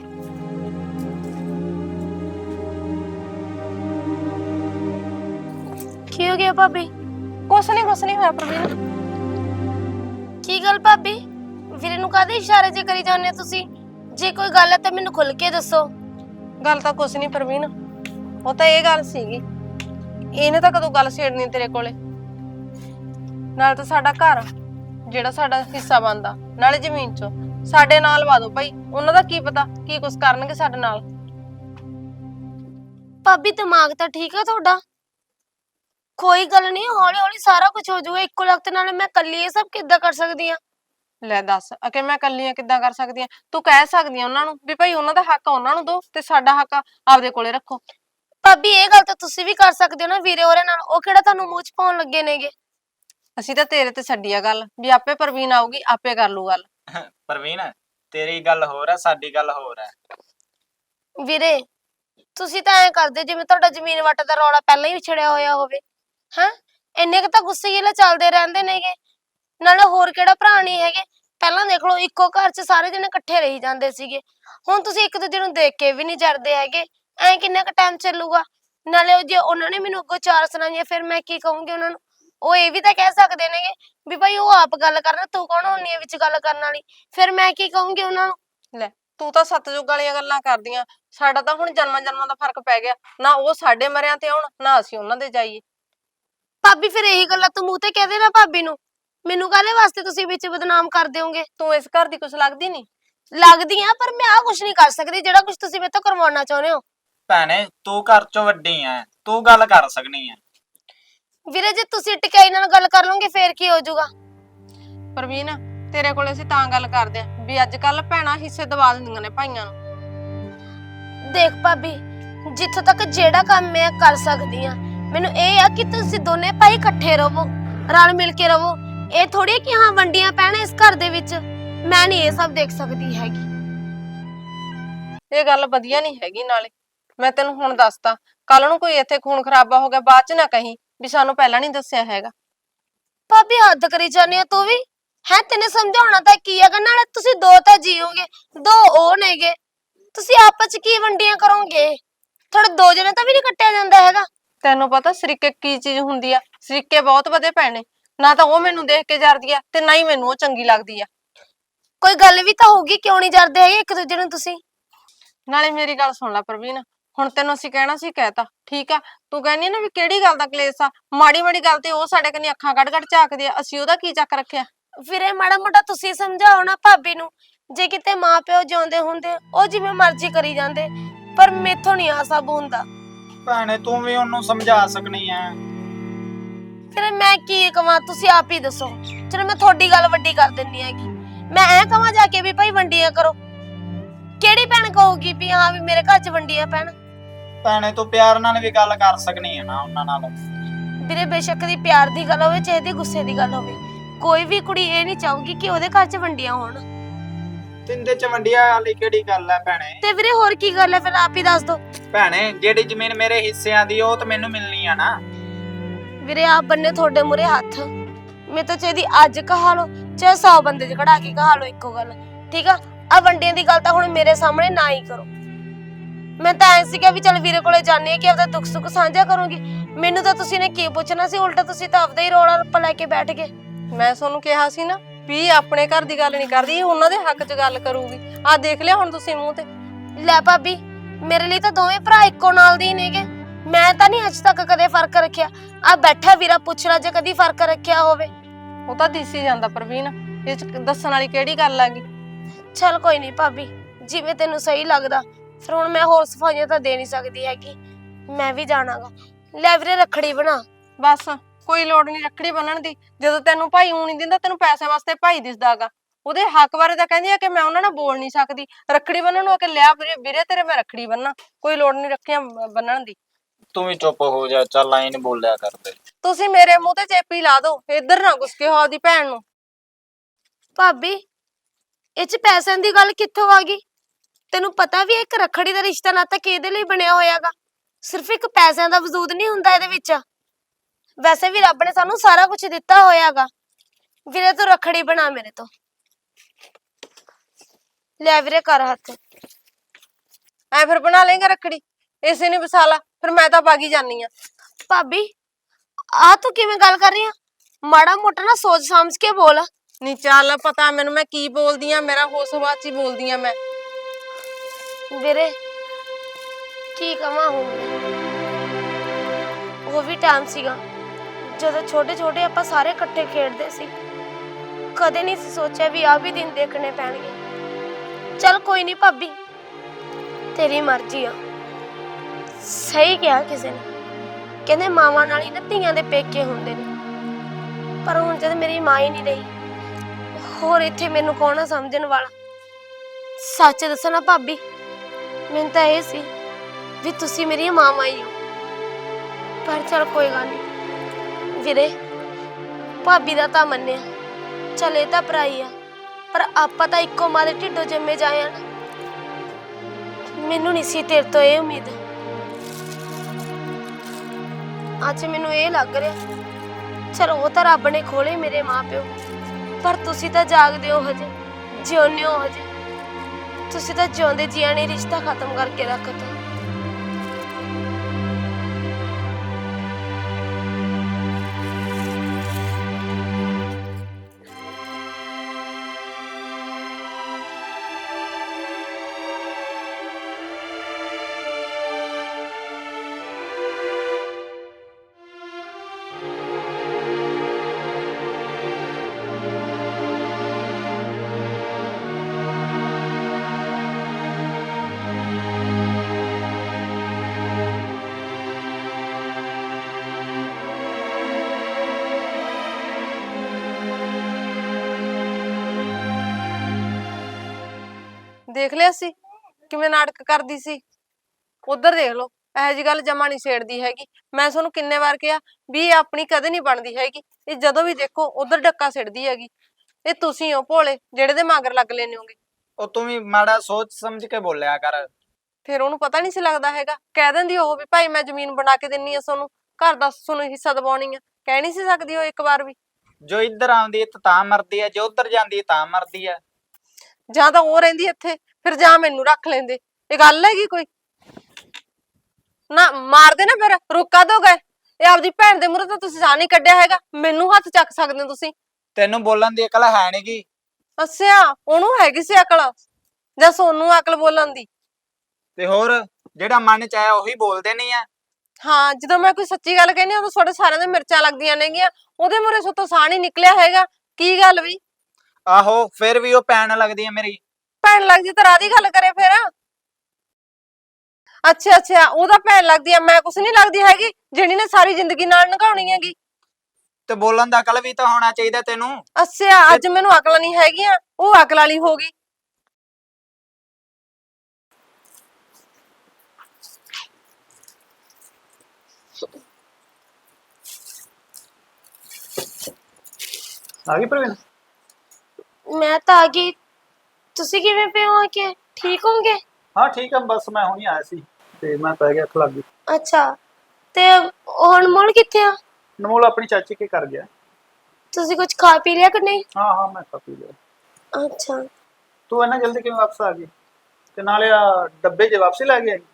Speaker 1: ਕੀ ਹੋ ਗਿਆ ਭਾਬੀ?
Speaker 2: ਕੁਛ ਨਹੀਂ ਹੋਇਆ ਪ੍ਰਵੀਨ।
Speaker 1: ਕੀ ਗੱਲ ਭਾਬੀ, ਵੀਰੇ ਨੂੰ ਕਾਹਦੇ ਇਸ਼ਾਰੇ ਜੇ ਕਰੀ ਜਾਂਦੇ ਹੋ ਤੁਸੀਂ? ਜੇ ਕੋਈ ਗੱਲ ਹੈ ਤਾਂ ਮੈਨੂੰ ਖੁੱਲ ਕੇ ਦੱਸੋ।
Speaker 2: ਗੱਲ ਤਾਂ ਕੁਛ ਨਹੀਂ ਪ੍ਰਵੀਨ, ਉਹ ਤਾਂ ਇਹ ਗੱਲ ਸੀਗੀ, ਇਹਨੇ ਤਾਂ ਕਦੋਂ ਗੱਲ ਛੇੜਨੀ ਤੇਰੇ ਕੋਲੇ। ਨਾਲ ਤਾਂ ਸਾਡਾ ਘਰ ਜਿਹੜਾ ਸਾਡਾ ਹਿੱਸਾ ਬਣਦਾ, ਨਾਲੇ ਜ਼ਮੀਨ ਚੋਂ ਸਾਡੇ ਨਾਲ ਲਵਾ ਦੋ ਭਾਈ। ਉਹਨਾਂ ਦਾ ਕੀ ਪਤਾ ਕੀ ਕੁਛ ਕਰਨਗੇ ਸਾਡੇ ਨਾਲ।
Speaker 1: ਭਾਬੀ ਦਿਮਾਗ ਤਾਂ ਠੀਕ ਆ ਤੁਹਾਡਾ? ਕੋਈ ਗੱਲ ਨਹੀਂ, ਹੌਲੀ ਹੌਲੀ ਸਾਰਾ ਕੁਝ ਹੋ ਜਾਊਗਾ। ਇੱਕੋ ਲਖਤ ਨਾਲ ਮੈਂ ਇਕੱਲੀ ਇਹ ਸਭ ਕਿੱਦਾਂ ਕਰ ਸਕਦੀ ਆ?
Speaker 2: ਲੈ ਦੱਸ, ਅਕੇ ਮੈਂ ਕੱਲੀਆਂ ਕਿੱਦਾਂ ਕਰ ਸਕਦੀ ਆ? ਤੂੰ ਕਹਿ ਸਕਦੀ ਆ ਉਹਨਾਂ ਨੂੰ ਵੀ ਭਾਈ ਉਹਨਾਂ ਦਾ ਹੱਕ ਉਹਨਾਂ ਨੂੰ ਦੋ ਤੇ ਸਾਡਾ ਹੱਕ ਆਪਦੇ ਕੋਲੇ ਰੱਖੋ।
Speaker 1: ਭਾਬੀ ਇਹ ਗੱਲ ਤਾਂ ਤੁਸੀਂ ਵੀ ਕਰ ਸਕਦੇ ਹੋ ਨਾ ਵੀਰੇ ਹੋਰੇ ਨਾਲ, ਉਹ ਕਿਹੜਾ ਤੁਹਾਨੂੰ ਮੂੰਹ ਚ ਪਾਉਣ ਲੱਗੇ ਨੇਗੇ।
Speaker 2: ਅਸੀਂ ਤਾਂ ਤੇਰੇ ਤੇ ਛੱਡੀ ਆ ਗੱਲ ਵੀ ਆਪੇ ਪ੍ਰਵੀਨ ਆਊਗੀ ਆਪੇ ਕਰ ਲੂ ਗੱਲ।
Speaker 3: ਪ੍ਰਵੀਨ, ਤੇਰੀ ਗੱਲ ਹੋਰ ਆ, ਸਾਡੀ ਗੱਲ ਹੋਰ ਆ।
Speaker 1: ਵੀਰੇ ਤੁਸੀਂ ਤਾਂ ਐ ਕਰਦੇ ਜਿਵੇਂ ਤੁਹਾਡਾ ਜ਼ਮੀਨ ਵੱਟ ਦਾ ਰੌਲਾ ਪਹਿਲਾਂ ਹੀ ਛਿੜਿਆ ਹੋਇਆ ਹੋਵੇ। ਹਾਂ, ਇੰਨੇ ਕੁ ਤਾਂ ਗੁੱਸੇ ਗਿਲੇ ਚੱਲਦੇ ਰਹਿੰਦੇ ਨੇਗੇ। ਨਾਲੇ ਹੋਰ ਕਿਹੜਾ ਭਰਾ ਨਹੀਂ ਹੈਗੇ। ਪਹਿਲਾਂ ਦੇਖ ਲਓ ਇੱਕੋ ਘਰ 'ਚ ਸਾਰੇ ਜਣੇ ਇਕੱਠੇ ਰਹੀ ਜਾਂਦੇ ਸੀਗੇ, ਹੁਣ ਤੁਸੀਂ ਇੱਕ ਦੂਜੇ ਨੂੰ ਦੇਖ ਕੇ ਵੀ ਨਹੀਂ ਜਰਦੇ ਹੈਗੇ। ਐ ਕਿੰਨਾ ਕੁ ਟਾਈਮ ਚੱਲੂਗਾ? ਨਾਲੇ ਜੇ ਉਹਨਾਂ ਨੇ ਮੈਨੂੰ ਅੱਗੋਂ ਚਾਰ ਸੁਣਾਈਆਂ ਫਿਰ ਮੈਂ ਕੀ ਕਹੂੰਗੀ ਉਹਨਾਂ ਨੂੰ? ਉਹ ਇਹ ਵੀ ਤਾਂ ਕਹਿ ਸਕਦੇ ਨੇਗੇ ਵੀ ਭਾਈ ਉਹ ਆਪ ਗੱਲ ਕਰਨ, ਤੂੰ ਕੌਣ ਹੁੰਨੀ ਆ ਵਿੱਚ ਗੱਲ ਕਰਨ ਵਾਲੀ? ਫਿਰ ਮੈਂ ਕੀ ਕਹੂੰਗੀ ਉਹਨਾਂ ਨੂੰ?
Speaker 2: ਲੈ ਤੂੰ ਤਾਂ ਸਤਜੁਗ ਵਾਲੀਆਂ ਗੱਲਾਂ ਕਰਦੀਆਂ, ਸਾਡਾ ਤਾਂ ਹੁਣ ਜਨਮਾਂ ਦਾ ਫਰਕ ਪੈ ਗਿਆ। ਨਾ ਉਹ ਸਾਡੇ ਮਰਿਆਂ ਤੇ ਆਉਣ ਨਾ ਅਸੀਂ ਉਹਨਾਂ ਦੇ ਜਾਈਏ।
Speaker 1: ਭਾਬੀ ਫਿਰ ਇਹੀ ਗੱਲਾਂ ਤੂੰ ਮੂੰਹ ਤੇ ਕਹਿ ਦੇ ਨਾ ਭਾਬੀ ਨੂੰ, ਮੈਨੂੰ ਕਾਹਦੇ ਵਾਸਤੇ ਤੁਸੀਂ ਵਿੱਚ ਬਦਨਾਮ ਕਰ ਦਿਓਗੇ?
Speaker 2: ਤੂੰ ਇਸ ਘਰ ਦੀ ਕੁਛ ਲੱਗਦੀ ਨਹੀਂ।
Speaker 1: ਲੱਗਦੀ ਆ, ਪਰ ਮੈਂ ਆ ਕੁਛ ਨਹੀਂ ਕਰ ਸਕਦੀ ਜਿਹੜਾ ਕੁਛ ਤੁਸੀਂ ਮੇਰੇ ਤੋਂ ਕਰਵਾਉਣਾ ਚਾਹੁੰਦੇ ਹੋ।
Speaker 3: ਭੈਣੇ ਤੂੰ ਘਰ ਚੋਂ ਵੱਡੀ ਐ, ਤੂੰ ਗੱਲ ਕਰ ਸਕਣੀ ਐ।
Speaker 1: ਵੀਰੇ ਜੇ ਤੁਸੀਂ ਟਿਕਾਈ ਨਾਲ ਗੱਲ ਕਰ ਲਓਗੇ ਫੇਰ ਕੀ ਹੋ ਜਾਊਗਾ?
Speaker 2: ਪ੍ਰਵੀਨ ਤੇਰੇ ਕੋਲੇ ਅਸੀਂ ਤਾਂ ਗੱਲ ਕਰਦੇ ਆਂ ਵੀ ਅੱਜ ਕੱਲ ਭੈਣਾਂ ਹਿੱਸੇ ਦਵਾ ਦਿੰਦੀਆਂ ਨੇ ਭਾਈਆਂ ਨੂੰ।
Speaker 1: ਦੇਖ ਭਾਬੀ, ਜਿੱਥੋਂ ਤੱਕ ਜਿਹੜਾ ਕੰਮ ਮੈਂ ਕਰ ਸਕਦੀ ਆ, ਮੈਨੂੰ ਇਹ ਆ ਕਿ ਤੁਸੀਂ ਦੋਨੇ ਭਾਈ ਇਕੱਠੇ ਰਹੋ, ਰਲ ਮਿਲ ਕੇ ਰਹੋ। ਇਹ ਥੋੜੀ ਕਿ ਹਾਂ ਵੰਡੀਆਂ ਪੈਣ ਇਸ ਘਰ ਦੇ ਵਿੱਚ। ਮੈਂ ਨਹੀਂ ਇਹ ਸਭ ਦੇਖ ਸਕਦੀ ਹੈਗੀ।
Speaker 2: ਇਹ ਗੱਲ ਵਧੀਆ ਨਹੀਂ ਹੈਗੀ। ਨਾਲੇ ਮੈਂ ਤੈਨੂੰ ਹੁਣ ਦੱਸਤਾ, ਕੱਲ ਨੂੰ ਕੋਈ ਇੱਥੇ ਖੂਨ ਖਰਾਬਾ ਹੋ ਗਿਆ ਬਾਅਦ ਚ ਨਾ ਕਹੀਂ ਵੀ ਸਾਨੂੰ ਪਹਿਲਾਂ ਨਹੀਂ ਦੱਸਿਆ ਹੈਗਾ।
Speaker 1: ਭਾਬੀ ਹੱਦ ਕਰੀ ਜਾਂਦੀ ਆ ਤੂੰ ਵੀ। ਹੈ ਤੈਨੂੰ ਸਮਝਾਉਣਾ ਤਾਂ ਕੀ ਹੈਗਾ? ਨਾਲੇ ਤੁਸੀਂ ਦੋ ਤਾਂ ਜੀਓਗੇ, ਦੋ ਉਹ ਨੇਗੇ। ਤੁਸੀਂ ਆਪਸ ਚ ਕੀ ਵੰਡੀਆਂ ਕਰੋਗੇ? ਥੋੜਾ ਦੋ ਜਣੇ ਤਾਂ ਵੀ ਨਹੀਂ ਕੱਟਿਆ ਜਾਂਦਾ ਹੈਗਾ।
Speaker 2: ਤੈਨੂੰ ਪਤਾ ਸਰੀਕੇ ਕੀ ਚੀਜ਼ ਹੁੰਦੀ ਆ? ਸਰੀਕੇ ਬਹੁਤ ਵਧੇ ਪੈਣੇ, ਨਾ ਤਾਂ ਉਹ ਮੈਨੂੰ ਦੇਖ ਕੇ ਜਰਦੀ ਆ ਤੇ ਨਾ ਹੀ ਮੈਨੂੰ ਉਹ ਚੰਗੀ ਲੱਗਦੀ ਆ।
Speaker 1: ਕੋਈ ਗੱਲ ਵੀ ਤਾਂ ਹੋਊਗੀ, ਕਿਉਂ ਨਹੀਂ ਜਰਦੇ ਹੈਗੇ ਇੱਕ ਦੂਜੇ ਨੂੰ ਤੁਸੀਂ?
Speaker 2: ਨਾਲੇ ਮੇਰੀ ਗੱਲ ਸੁਣ ਲੈ ਪ੍ਰਵੀਨ, ਹੁਣ ਤੈਨੂੰ ਅਸੀਂ ਕਹਿਣਾ ਸੀ ਕਹਿਤਾ, ਠੀਕ ਆ। ਤੂੰ ਕਹਿੰਦੀ ਨਾ ਵੀ ਕਿਹੜੀ ਗੱਲ ਦਾ ਕਲੇਸ਼ ਆ? ਮਾੜੀ ਮਾੜੀ ਗੱਲ ਤੇ ਉਹ ਸਾਡੇ ਕੰਨੀ ਅੱਖਾਂ ਕੱਢ ਕੱਢ ਝਾਕਦੀ ਆ, ਅਸੀਂ ਉਹਦਾ ਕੀ ਚੱਕ ਰੱਖਿਆ?
Speaker 1: ਵੀਰੇ ਮਾੜਾ ਮੋਟਾ ਤੁਸੀਂ ਸਮਝਾਓ ਨਾ ਭਾਬੀ ਨੂੰ। ਜੇ ਕਿਤੇ ਮਾਪਿਓ ਜਿਉਂਦੇ ਹੁੰਦੇ ਉਹ ਜਿਵੇਂ ਮਰਜ਼ੀ ਕਰੀ ਜਾਂਦੇ, ਪਰ ਮੇਥੋਂ ਨਹੀਂ ਆ ਸਭ ਹੁੰਦਾ।
Speaker 3: ਭੈਣੇ ਤੂੰ ਵੀ ਉਹਨੂੰ ਸਮਝਾ ਸਕਣੀ ਐ।
Speaker 1: ਫਿਰ ਮੈਂ ਕੀ ਕਵਾਂ, ਤੁਸੀਂ ਆਪ ਹੀ ਦੱਸੋ। ਚਲੋ ਮੈਂ ਤੁਹਾਡੀ ਗੱਲ ਵੱਡੀ ਕਰ ਦਿੰਨੀ ਹੈਗੀ, ਮੈਂ ਐ ਕਵਾਂ ਜਾ ਕੇ ਵੀ ਭਾਈ ਵੰਡੀਆਂ ਕਰੋ? ਕਿਹੜੀ ਭੈਣ ਕਹੂਗੀ ਵੀ ਹਾਂ ਵੀ ਮੇਰੇ ਘਰ 'ਚ ਵੰਡੀਆਂ ਪੈਣ?
Speaker 3: ਭੈਣੇ ਤੂੰ ਪਿਆਰ ਨਾਲ ਵੀ ਗੱਲ ਕਰ ਸਕਣੀ ਐ ਨਾ ਉਹਨਾਂ ਨਾਲ।
Speaker 1: ਵੀਰੇ ਬੇਸ਼ੱਕ ਦੀ ਪਿਆਰ ਦੀ ਗੱਲ ਹੋਵੇ ਚਾਹੇ ਦੀ ਗੁੱਸੇ ਦੀ ਗੱਲ ਹੋਵੇ, ਕੋਈ ਵੀ ਕੁੜੀ ਇਹ ਨਹੀਂ ਚਾਹੂਗੀ ਕਿ ਉਹਦੇ ਘਰ 'ਚ ਵੰਡੀਆਂ ਹੋਣ।
Speaker 3: ਤਿੰਦੇ ਚ ਵੰਡੀਆਂ ਵਾਲੀ ਕਿਹੜੀ ਗੱਲ ਐ ਭੈਣੇ?
Speaker 1: ਤੇ ਵੀਰੇ ਹੋਰ ਕੀ ਗੱਲ ਹੈ ਫਿਰ ਆਪ ਹੀ ਦੱਸ ਦੋ।
Speaker 3: ਭੈਣੇ ਜਿਹੜੀ ਜ਼ਮੀਨ ਮੇਰੇ ਹਿੱਸਿਆਂ ਦੀ ਉਹ ਤਾਂ ਮੈਨੂੰ ਮਿਲਣੀ ਆ ਨਾ।
Speaker 1: ਵੀਰੇ ਆਪ ਬੰਨੇ ਤੁਹਾਡੇ ਮੂਰੇ ਹੱਥ। ਮੈਂ ਤਾਂ ਚਾਹੀਦੀ ਅੱਜ ਕਹਾ ਲੋ ਚਾਹੇ 100 ਬੰਦੇ 'ਚ ਕਢਾ ਕੇ ਕਹਾ ਲੋ ਇੱਕੋ ਗੱਲ, ਠੀਕ ਆ? ਆ ਵੰਡੀਆਂ ਦੀ ਗੱਲ ਤਾਂ ਹੁਣ ਮੇਰੇ ਸਾਹਮਣੇ ਨਾ ਹੀ ਕਰੋ। ਮੈਂ ਤਾਂ ਐਂ ਸੀਗਾ ਵੀ ਚੱਲ ਵੀਰੇ ਕੋਲੇ ਜਾਣੇ ਕਿ ਆਪਦਾ ਦੁੱਖ ਸੁੱਖ ਸਾਂਝਾ ਕਰੂੰਗੀ। ਮੈਨੂੰ ਤਾਂ ਤੁਸੀਂ ਨੇ ਕੀ ਪੁੱਛਣਾ ਸੀ, ਉਲਟਾ ਤੁਸੀਂ ਤਾਂ ਆਪਦਾ ਹੀ ਰੌਲਾ ਰੱਪਾ ਲੈ ਕੇ ਬੈਠ ਗਏ।
Speaker 2: ਮੈਂ ਤੁਹਾਨੂੰ ਕਿਹਾ ਸੀ ਨਾ ਵੀ ਆਪਣੇ ਘਰ ਦੀ ਗੱਲ ਨਹੀਂ ਕਰਦੀ, ਇਹ ਉਹਨਾਂ ਦੇ ਹੱਕ 'ਚ ਗੱਲ ਕਰੂਗੀ। ਆਹ ਦੇਖ ਲਿਆ ਹੁਣ ਤੁਸੀਂ ਮੂੰਹ ਤੇ।
Speaker 1: ਲੈ ਭਾਬੀ, ਮੇਰੇ ਲਈ ਤਾਂ ਦੋਵੇਂ ਭਰਾ ਇੱਕੋ ਨਾਲ ਦੇ ਹੀ ਨੇਗੇ। ਮੈਂ ਤਾਂ ਨਹੀਂ ਅੱਜ ਤੱਕ ਕਦੇ ਫਰਕ ਰੱਖਿਆ। ਆ ਬੈਠਾ ਵੀਰਾ ਪੁੱਛ ਲਾ ਜੇ ਕਦੀ ਫਰਕ ਰੱਖਿਆ ਹੋਵੇ।
Speaker 2: ਉਹ ਤਾਂ ਦਿਸ ਹੀ ਜਾਂਦਾ ਪ੍ਰਵੀਨ, ਇਹ 'ਚ ਦੱਸਣ ਵਾਲੀ ਕਿਹੜੀ ਗੱਲ ਆ ਗਈ?
Speaker 1: ਚੱਲ ਕੋਈ ਨਹੀਂ ਭਾਬੀ, ਜਿਵੇਂ ਤੈਨੂੰ ਸਹੀ ਲੱਗਦਾ। ਫਿਰ ਹੁਣ ਮੈਂ ਹੋਰ ਸਫਾਈਆਂ ਤਾਂ ਦੇ ਨਹੀਂ ਸਕਦੀ ਹੈਗੀ, ਮੈਂ ਵੀ ਜਾਣਾਗਾ। ਲੈ ਵੀਰੇ ਰੱਖੜੀ ਬਣਾ।
Speaker 2: ਬਸ ਕੋਈ ਲੋੜ ਨਹੀਂ ਰੱਖੜੀ ਬੰਨਣ ਦੀ, ਜਦੋਂ ਤੈਨੂੰ ਭਾਈ ਊਂ ਨਹੀਂ ਦਿੰਦਾ, ਤੈਨੂੰ ਪੈਸੇ ਵਾਸਤੇ ਭਾਈ ਦਿਸਦਾਗਾ। ਉਹਦੇ ਹੱਕ ਬਾਰੇ ਤਾਂ ਕਹਿੰਦੀ ਆ ਕਿ ਮੈਂ ਉਹਨਾਂ ਨਾਲ ਬੋਲ ਨਹੀਂ ਸਕਦੀ। ਰੱਖੜੀ ਬੰਨਣ ਨੂੰ ਆ ਕੇ ਲਿਆ ਵੀਰੇ ਤੇਰੇ ਮੈਂ ਰੱਖੜੀ ਬੰਨਾ, ਕੋਈ ਲੋੜ ਨਹੀਂ ਰੱਖੀਆਂ ਬੰਨਣ ਦੀ।
Speaker 3: ਤੂੰ ਵੀ ਚੁੱਪ ਹੋ ਜਾ, ਚੱਲ ਐਂ ਨੀ ਬੋਲਿਆ ਕਰਦੇ।
Speaker 2: ਤੁਸੀਂ ਮੇਰੇ ਮੂੰਹ ਤੇ ਚੇਪੀ ਲਾ ਦਿਓ, ਇੱਧਰ ਨਾ ਗੁੱਸੇ ਹੋ ਆਪਦੀ ਭੈਣ ਨੂੰ।
Speaker 1: ਭਾਬੀ ਇਹ ਚ ਪੈਸਿਆਂ ਦੀ ਗੱਲ ਕਿੱਥੋਂ ਆ ਗਈ? ਤੈਨੂੰ ਪਤਾ ਵੀ ਹੈ ਇੱਕ ਰੱਖੜੀ ਦਾ ਰਿਸ਼ਤਾ ਨਾਤਾ ਕਿਹਦੇ ਲਈ ਬਣਿਆ ਹੋਇਆਗਾ? ਸਿਰਫ ਇੱਕ ਪੈਸਿਆਂ ਦਾ ਵਜੂਦ ਨਹੀਂ ਹੁੰਦਾ ਇਹਦੇ ਵਿੱਚ। ਵੈਸੇ ਵੀ ਰੱਬ ਨੇ ਸਾਨੂੰ ਸਾਰਾ ਕੁਝ ਦਿੱਤਾ ਹੋਇਆਗਾ। ਵੀਰੇ ਤੂੰ ਰੱਖੜੀ ਬਣਾ ਮੇਰੇ ਤੋਂ। ਲੈ ਵੀਰੇ ਕਰ ਹੱਥ।
Speaker 2: ਐ ਫਿਰ ਬਣਾ ਲੇਗਾ ਰੱਖੜੀ? ਇਸੇ ਨੇ ਵਸਾ ਲਾ, ਫਿਰ ਮੈਂ ਤਾਂ ਬਾਗੀ ਜਾਨੀ ਆ।
Speaker 1: ਭਾਬੀ ਆ ਤੂੰ ਕਿਵੇਂ ਗੱਲ ਕਰ ਰਹੀ ਆ? ਮਾੜਾ ਮੋਟਾ ਨਾ ਸੋਚ ਸਮਝ ਕੇ ਬੋਲ।
Speaker 2: ਨੀ ਚੱਲ ਪਤਾ ਮੈਨੂੰ ਮੈਂ ਕੀ ਬੋਲਦੀ ਆ, ਮੇਰਾ ਹੋਸ਼ ਹਵਾਸ ਚ ਹੀ ਬੋਲਦੀ ਆ ਮੈਂ।
Speaker 1: ਵੀਰੇ ਕੀ ਕਵਾਂ ਹੁਣ, ਉਹ ਵੀ ਟਾਈਮ ਸੀਗਾ ਜਦੋਂ ਛੋਟੇ ਛੋਟੇ ਆਪਾਂ ਸਾਰੇ ਇਕੱਠੇ ਖੇਡਦੇ ਸੀ। ਕਦੇ ਨਹੀਂ ਸੀ ਸੋਚਿਆ ਵੀ ਆ ਵੀ ਦਿਨ ਦੇਖਣੇ ਪੈਣਗੇ। ਚੱਲ ਕੋਈ ਨਹੀਂ ਭਾਬੀ, ਤੇਰੀ ਮਰਜ਼ੀ ਆ। ਸਹੀ ਕਿਹਾ ਕਿਸੇ ਨੇ, ਕਹਿੰਦੇ ਮਾਵਾਂ ਨਾਲ ਹੀ ਨਾ ਧੀਆਂ ਦੇ ਪੇਕੇ ਹੁੰਦੇ ਨੇ। ਪਰ ਹੁਣ ਜਦ ਮੇਰੀ ਮਾਂ ਹੀ ਨਹੀਂ ਰਹੀ, ਹੋਰ ਇੱਥੇ ਮੈਨੂੰ ਕੌਣ ਆ ਸਮਝਣ ਵਾਲਾ? ਸੱਚ ਦੱਸਾਂ ਨਾ ਭਾਬੀ, ਮੈਨੂੰ ਤਾਂ ਇਹ ਸੀ ਵੀ ਤੁਸੀਂ ਮੇਰੀ ਮਾਂ ਹੀ ਹੋ। ਪਰ ਚਲ ਕੋਈ ਗੱਲ ਨਹੀਂ ਵੀਰੇ, ਭਾਬੀ ਦਾ ਤਾਂ ਮੰਨਿਆ, ਚਲ ਇਹ ਤਾਂ ਭਰਾਈ ਆ, ਪਰ ਆਪਾਂ ਤਾਂ ਇੱਕੋ ਮਾਂ ਦੇ ਢਿੱਡੋਂ ਜੰਮੇ ਜਾਏ ਆ ਨਾ। ਮੈਨੂੰ ਨਹੀਂ ਸੀ ਤੇਰੇ ਤੋਂ ਇਹ ਉਮੀਦ। ਅੱਜ ਮੈਨੂੰ ਇਹ ਲੱਗ ਰਿਹਾ ਚਲੋ ਉਹ ਤਾਂ ਰੱਬ ਨੇ ਖੋਲੇ ਮੇਰੇ ਮਾਪਿਓ, ਪਰ ਤੁਸੀਂ ਤਾਂ ਜਾਗਦੇ ਹੋ ਹਜੇ, ਜਿਉਂਦੇ ਹੋ ਹਜੇ। ਤੁਸੀਂ ਤਾਂ ਜਿਉਂਦੇ ਜੀਆਂ ਨੇ ਰਿਸ਼ਤਾ ਖਤਮ ਕਰਕੇ ਰੱਖਤਾ।
Speaker 2: ਦੇਖ ਲਿਆ ਸੀ ਕਿਵੇਂ ਨਾਟਕ ਕਰਦੀ ਸੀ? ਉਧਰ ਦੇਖ ਲਓ, ਇਹੋ ਜੀ ਗੱਲ ਜਮਾ ਨਹੀਂ ਛੇੜਦੀ ਹੈਗੀ। ਮੈਂ ਤੁਹਾਨੂੰ ਕਿੰਨੇ ਵਾਰ ਕਿਹਾ ਵੀ ਇਹ ਆਪਣੀ ਕਦੇ ਨਹੀਂ ਬਣਦੀ ਹੈਗੀ। ਇਹ ਜਦੋਂ ਵੀ ਦੇਖੋ ਉਧਰ ਡੱਕਾ ਸਿੱਟਦੀ ਹੈਗੀ। ਇਹ ਤੁਸੀਂ ਹੋ ਭੋਲੇ ਜਿਹੜੇ ਦੇ ਮਗਰ ਲੱਗ ਲੈਨੇ ਹੋਗੇ।
Speaker 3: ਉਹ ਤੂੰ ਵੀ ਮਾੜਾ ਸੋਚ ਸਮਝ ਕੇ ਬੋਲਿਆ ਕਰ।
Speaker 2: ਫਿਰ ਉਹਨੂੰ ਪਤਾ ਨਹੀਂ ਸੀ ਲੱਗਦਾ ਹੈਗਾ, ਕਹਿ ਦਿੰਦੀ ਉਹ ਵੀ ਭਾਈ ਮੈਂ ਜ਼ਮੀਨ ਬਣਾ ਕੇ ਦਿੰਨੀ ਆ ਤੁਹਾਨੂੰ, ਘਰ ਦਾ ਤੁਹਾਨੂੰ ਹਿੱਸਾ ਦਵਾਉਣੀ ਆ। ਕਹਿ ਨਹੀਂ ਸੀ ਸਕਦੀ ਉਹ ਇੱਕ ਵਾਰ ਵੀ?
Speaker 3: ਜੋ ਇੱਧਰ ਆਉਂਦੀ ਹੈ ਤਾਂ ਮਰਦੀ ਹੈ, ਜੋ ਉੱਧਰ ਜਾਂਦੀ ਹੈ ਤਾਂ ਮਰਦੀ ਹੈ।
Speaker 2: ਜਾਂ ਤਾਂ ਉਹ ਰਹਿੰਦੀ ਇੱਥੇ, ਫਿਰ ਜਾਂ ਮੈਨੂੰ ਰੱਖ ਲੈਂਦੇ। ਇਹ ਗੱਲ ਹੈਗੀ ਕੋਈ? ਨਾ ਮਾਰਦੇ ਨਾ ਫਿਰ ਰੁਕਾ ਦੋ ਗਏ। ਇਹ ਆਪਦੀ ਭੈਣ ਦੇ ਮੂਹਰੇ ਤਾਂ ਤੁਸੀਂ ਸਾਹ ਨਹੀਂ ਕੱਢਿਆ ਹੈਗਾ, ਮੈਨੂੰ ਹੱਥ ਚੱਕ ਸਕਦੇ ਹੋ ਤੁਸੀਂ।
Speaker 3: ਤੈਨੂੰ ਬੋਲਣ ਦੀ ਅਕਲ ਹੈ ਨੀ ਗੀ?
Speaker 2: ਅੱਛਾ ਉਹਨੂੰ ਹੈਗੀ ਸੀ ਅਕਲ, ਜਾਂ ਸੋਨੂੰ ਅਕਲ ਬੋਲਣ ਦੀ?
Speaker 3: ਤੇ ਹੋਰ ਜਿਹੜਾ ਮਨ ਚ ਆਇਆ ਉਹੀ ਬੋਲਦੇ ਨਹੀਂ ਆ।
Speaker 2: ਹਾਂ ਜਦੋਂ ਮੈਂ ਕੋਈ ਸੱਚੀ ਗੱਲ ਕਹਿੰਦੀ ਉਦੋਂ ਤੁਹਾਡੇ ਸਾਰਿਆਂ ਦੇ ਮਿਰਚਾਂ ਲੱਗਦੀਆਂ ਨੇਗੀਆਂ। ਉਹਦੇ ਮੂਹਰੇ ਸੁੱਤੋਂ ਸਾਹ ਨਹੀਂ ਨਿਕਲਿਆ ਹੈਗਾ। ਕੀ ਗੱਲ ਵੀ?
Speaker 3: ਆਹੋ ਫਿਰ ਵੀ ਉਹ ਭੈਣ ਲੱਗਦੀ ਹੈ ਮੇਰੀ।
Speaker 2: ਭੈਣ ਲੱਗਦੀ ਤਾਂ ਰਾਹ ਦੀ ਗੱਲ ਕਰੇ ਫਿਰ। ਅੱਛਾ ਅੱਛਾ ਉਹਦਾ ਭੈਣ ਲੱਗਦੀ ਆ, ਮੈਂ ਕੁਛ ਨਹੀਂ ਲੱਗਦੀ ਹੈਗੀ ਜਿਹੜੀ ਨੇ ਸਾਰੀ ਜ਼ਿੰਦਗੀ ਨਾਲ ਨਿਭਾਉਣੀ ਹੈਗੀ।
Speaker 3: ਤੇ ਬੋਲਣ ਦਾ ਅਕਲ ਵੀ ਤਾਂ ਹੋਣਾ ਚਾਹੀਦਾ ਤੈਨੂੰ।
Speaker 2: ਅੱਛਾ ਅੱਜ ਮੈਨੂੰ ਅਕਲ ਨਹੀਂ ਹੈਗੀਆਂ, ਉਹ ਅਕਲ ਵਾਲੀ ਹੋ ਗਈ।
Speaker 4: ਆ ਗਈ ਪ੍ਰਵੀਨ?
Speaker 1: ਮੈਂ ਤਾਂ ਆ ਗਈ। ਤੁਸੀਂ ਕਿਵੇਂ ਪਏ ਹੋ? ਆ ਕੇ ਠੀਕ ਹੋਗੇ?
Speaker 4: ਹਾਂ ਠੀਕ ਆ, ਬਸ ਮੈਂ ਹੁਣੀ ਆਇਆ ਸੀ ਤੇ ਮੈਂ ਪੈ ਗਿਆ, ਅੱਖ ਲੱਗ ਗਈ।
Speaker 1: ਅੱਛਾ ਤੇ ਹੁਣ ਮੋੜ ਕਿੱਥੇ ਆ?
Speaker 4: ਨਮੋਲ ਆਪਣੀ ਚਾਚੀ ਕੇ ਕਰ ਗਿਆ।
Speaker 1: ਤੁਸੀਂ ਕੁਝ ਖਾ ਪੀ ਲਿਆ ਕਿ ਨਹੀਂ?
Speaker 4: ਹਾਂ ਹਾਂ ਮੈਂ ਖਾ ਪੀ ਲਿਆ।
Speaker 1: ਅੱਛਾ
Speaker 4: ਤੂੰ ਇੰਨਾ ਜਲਦੀ ਕਿਵੇਂ ਵਾਪਸ ਆ ਗਈ? ਤੇ ਨਾਲੇ ਆ ਡੱਬੇ ਜੇ ਵਾਪਸ ਲੈ ਗਿਆ?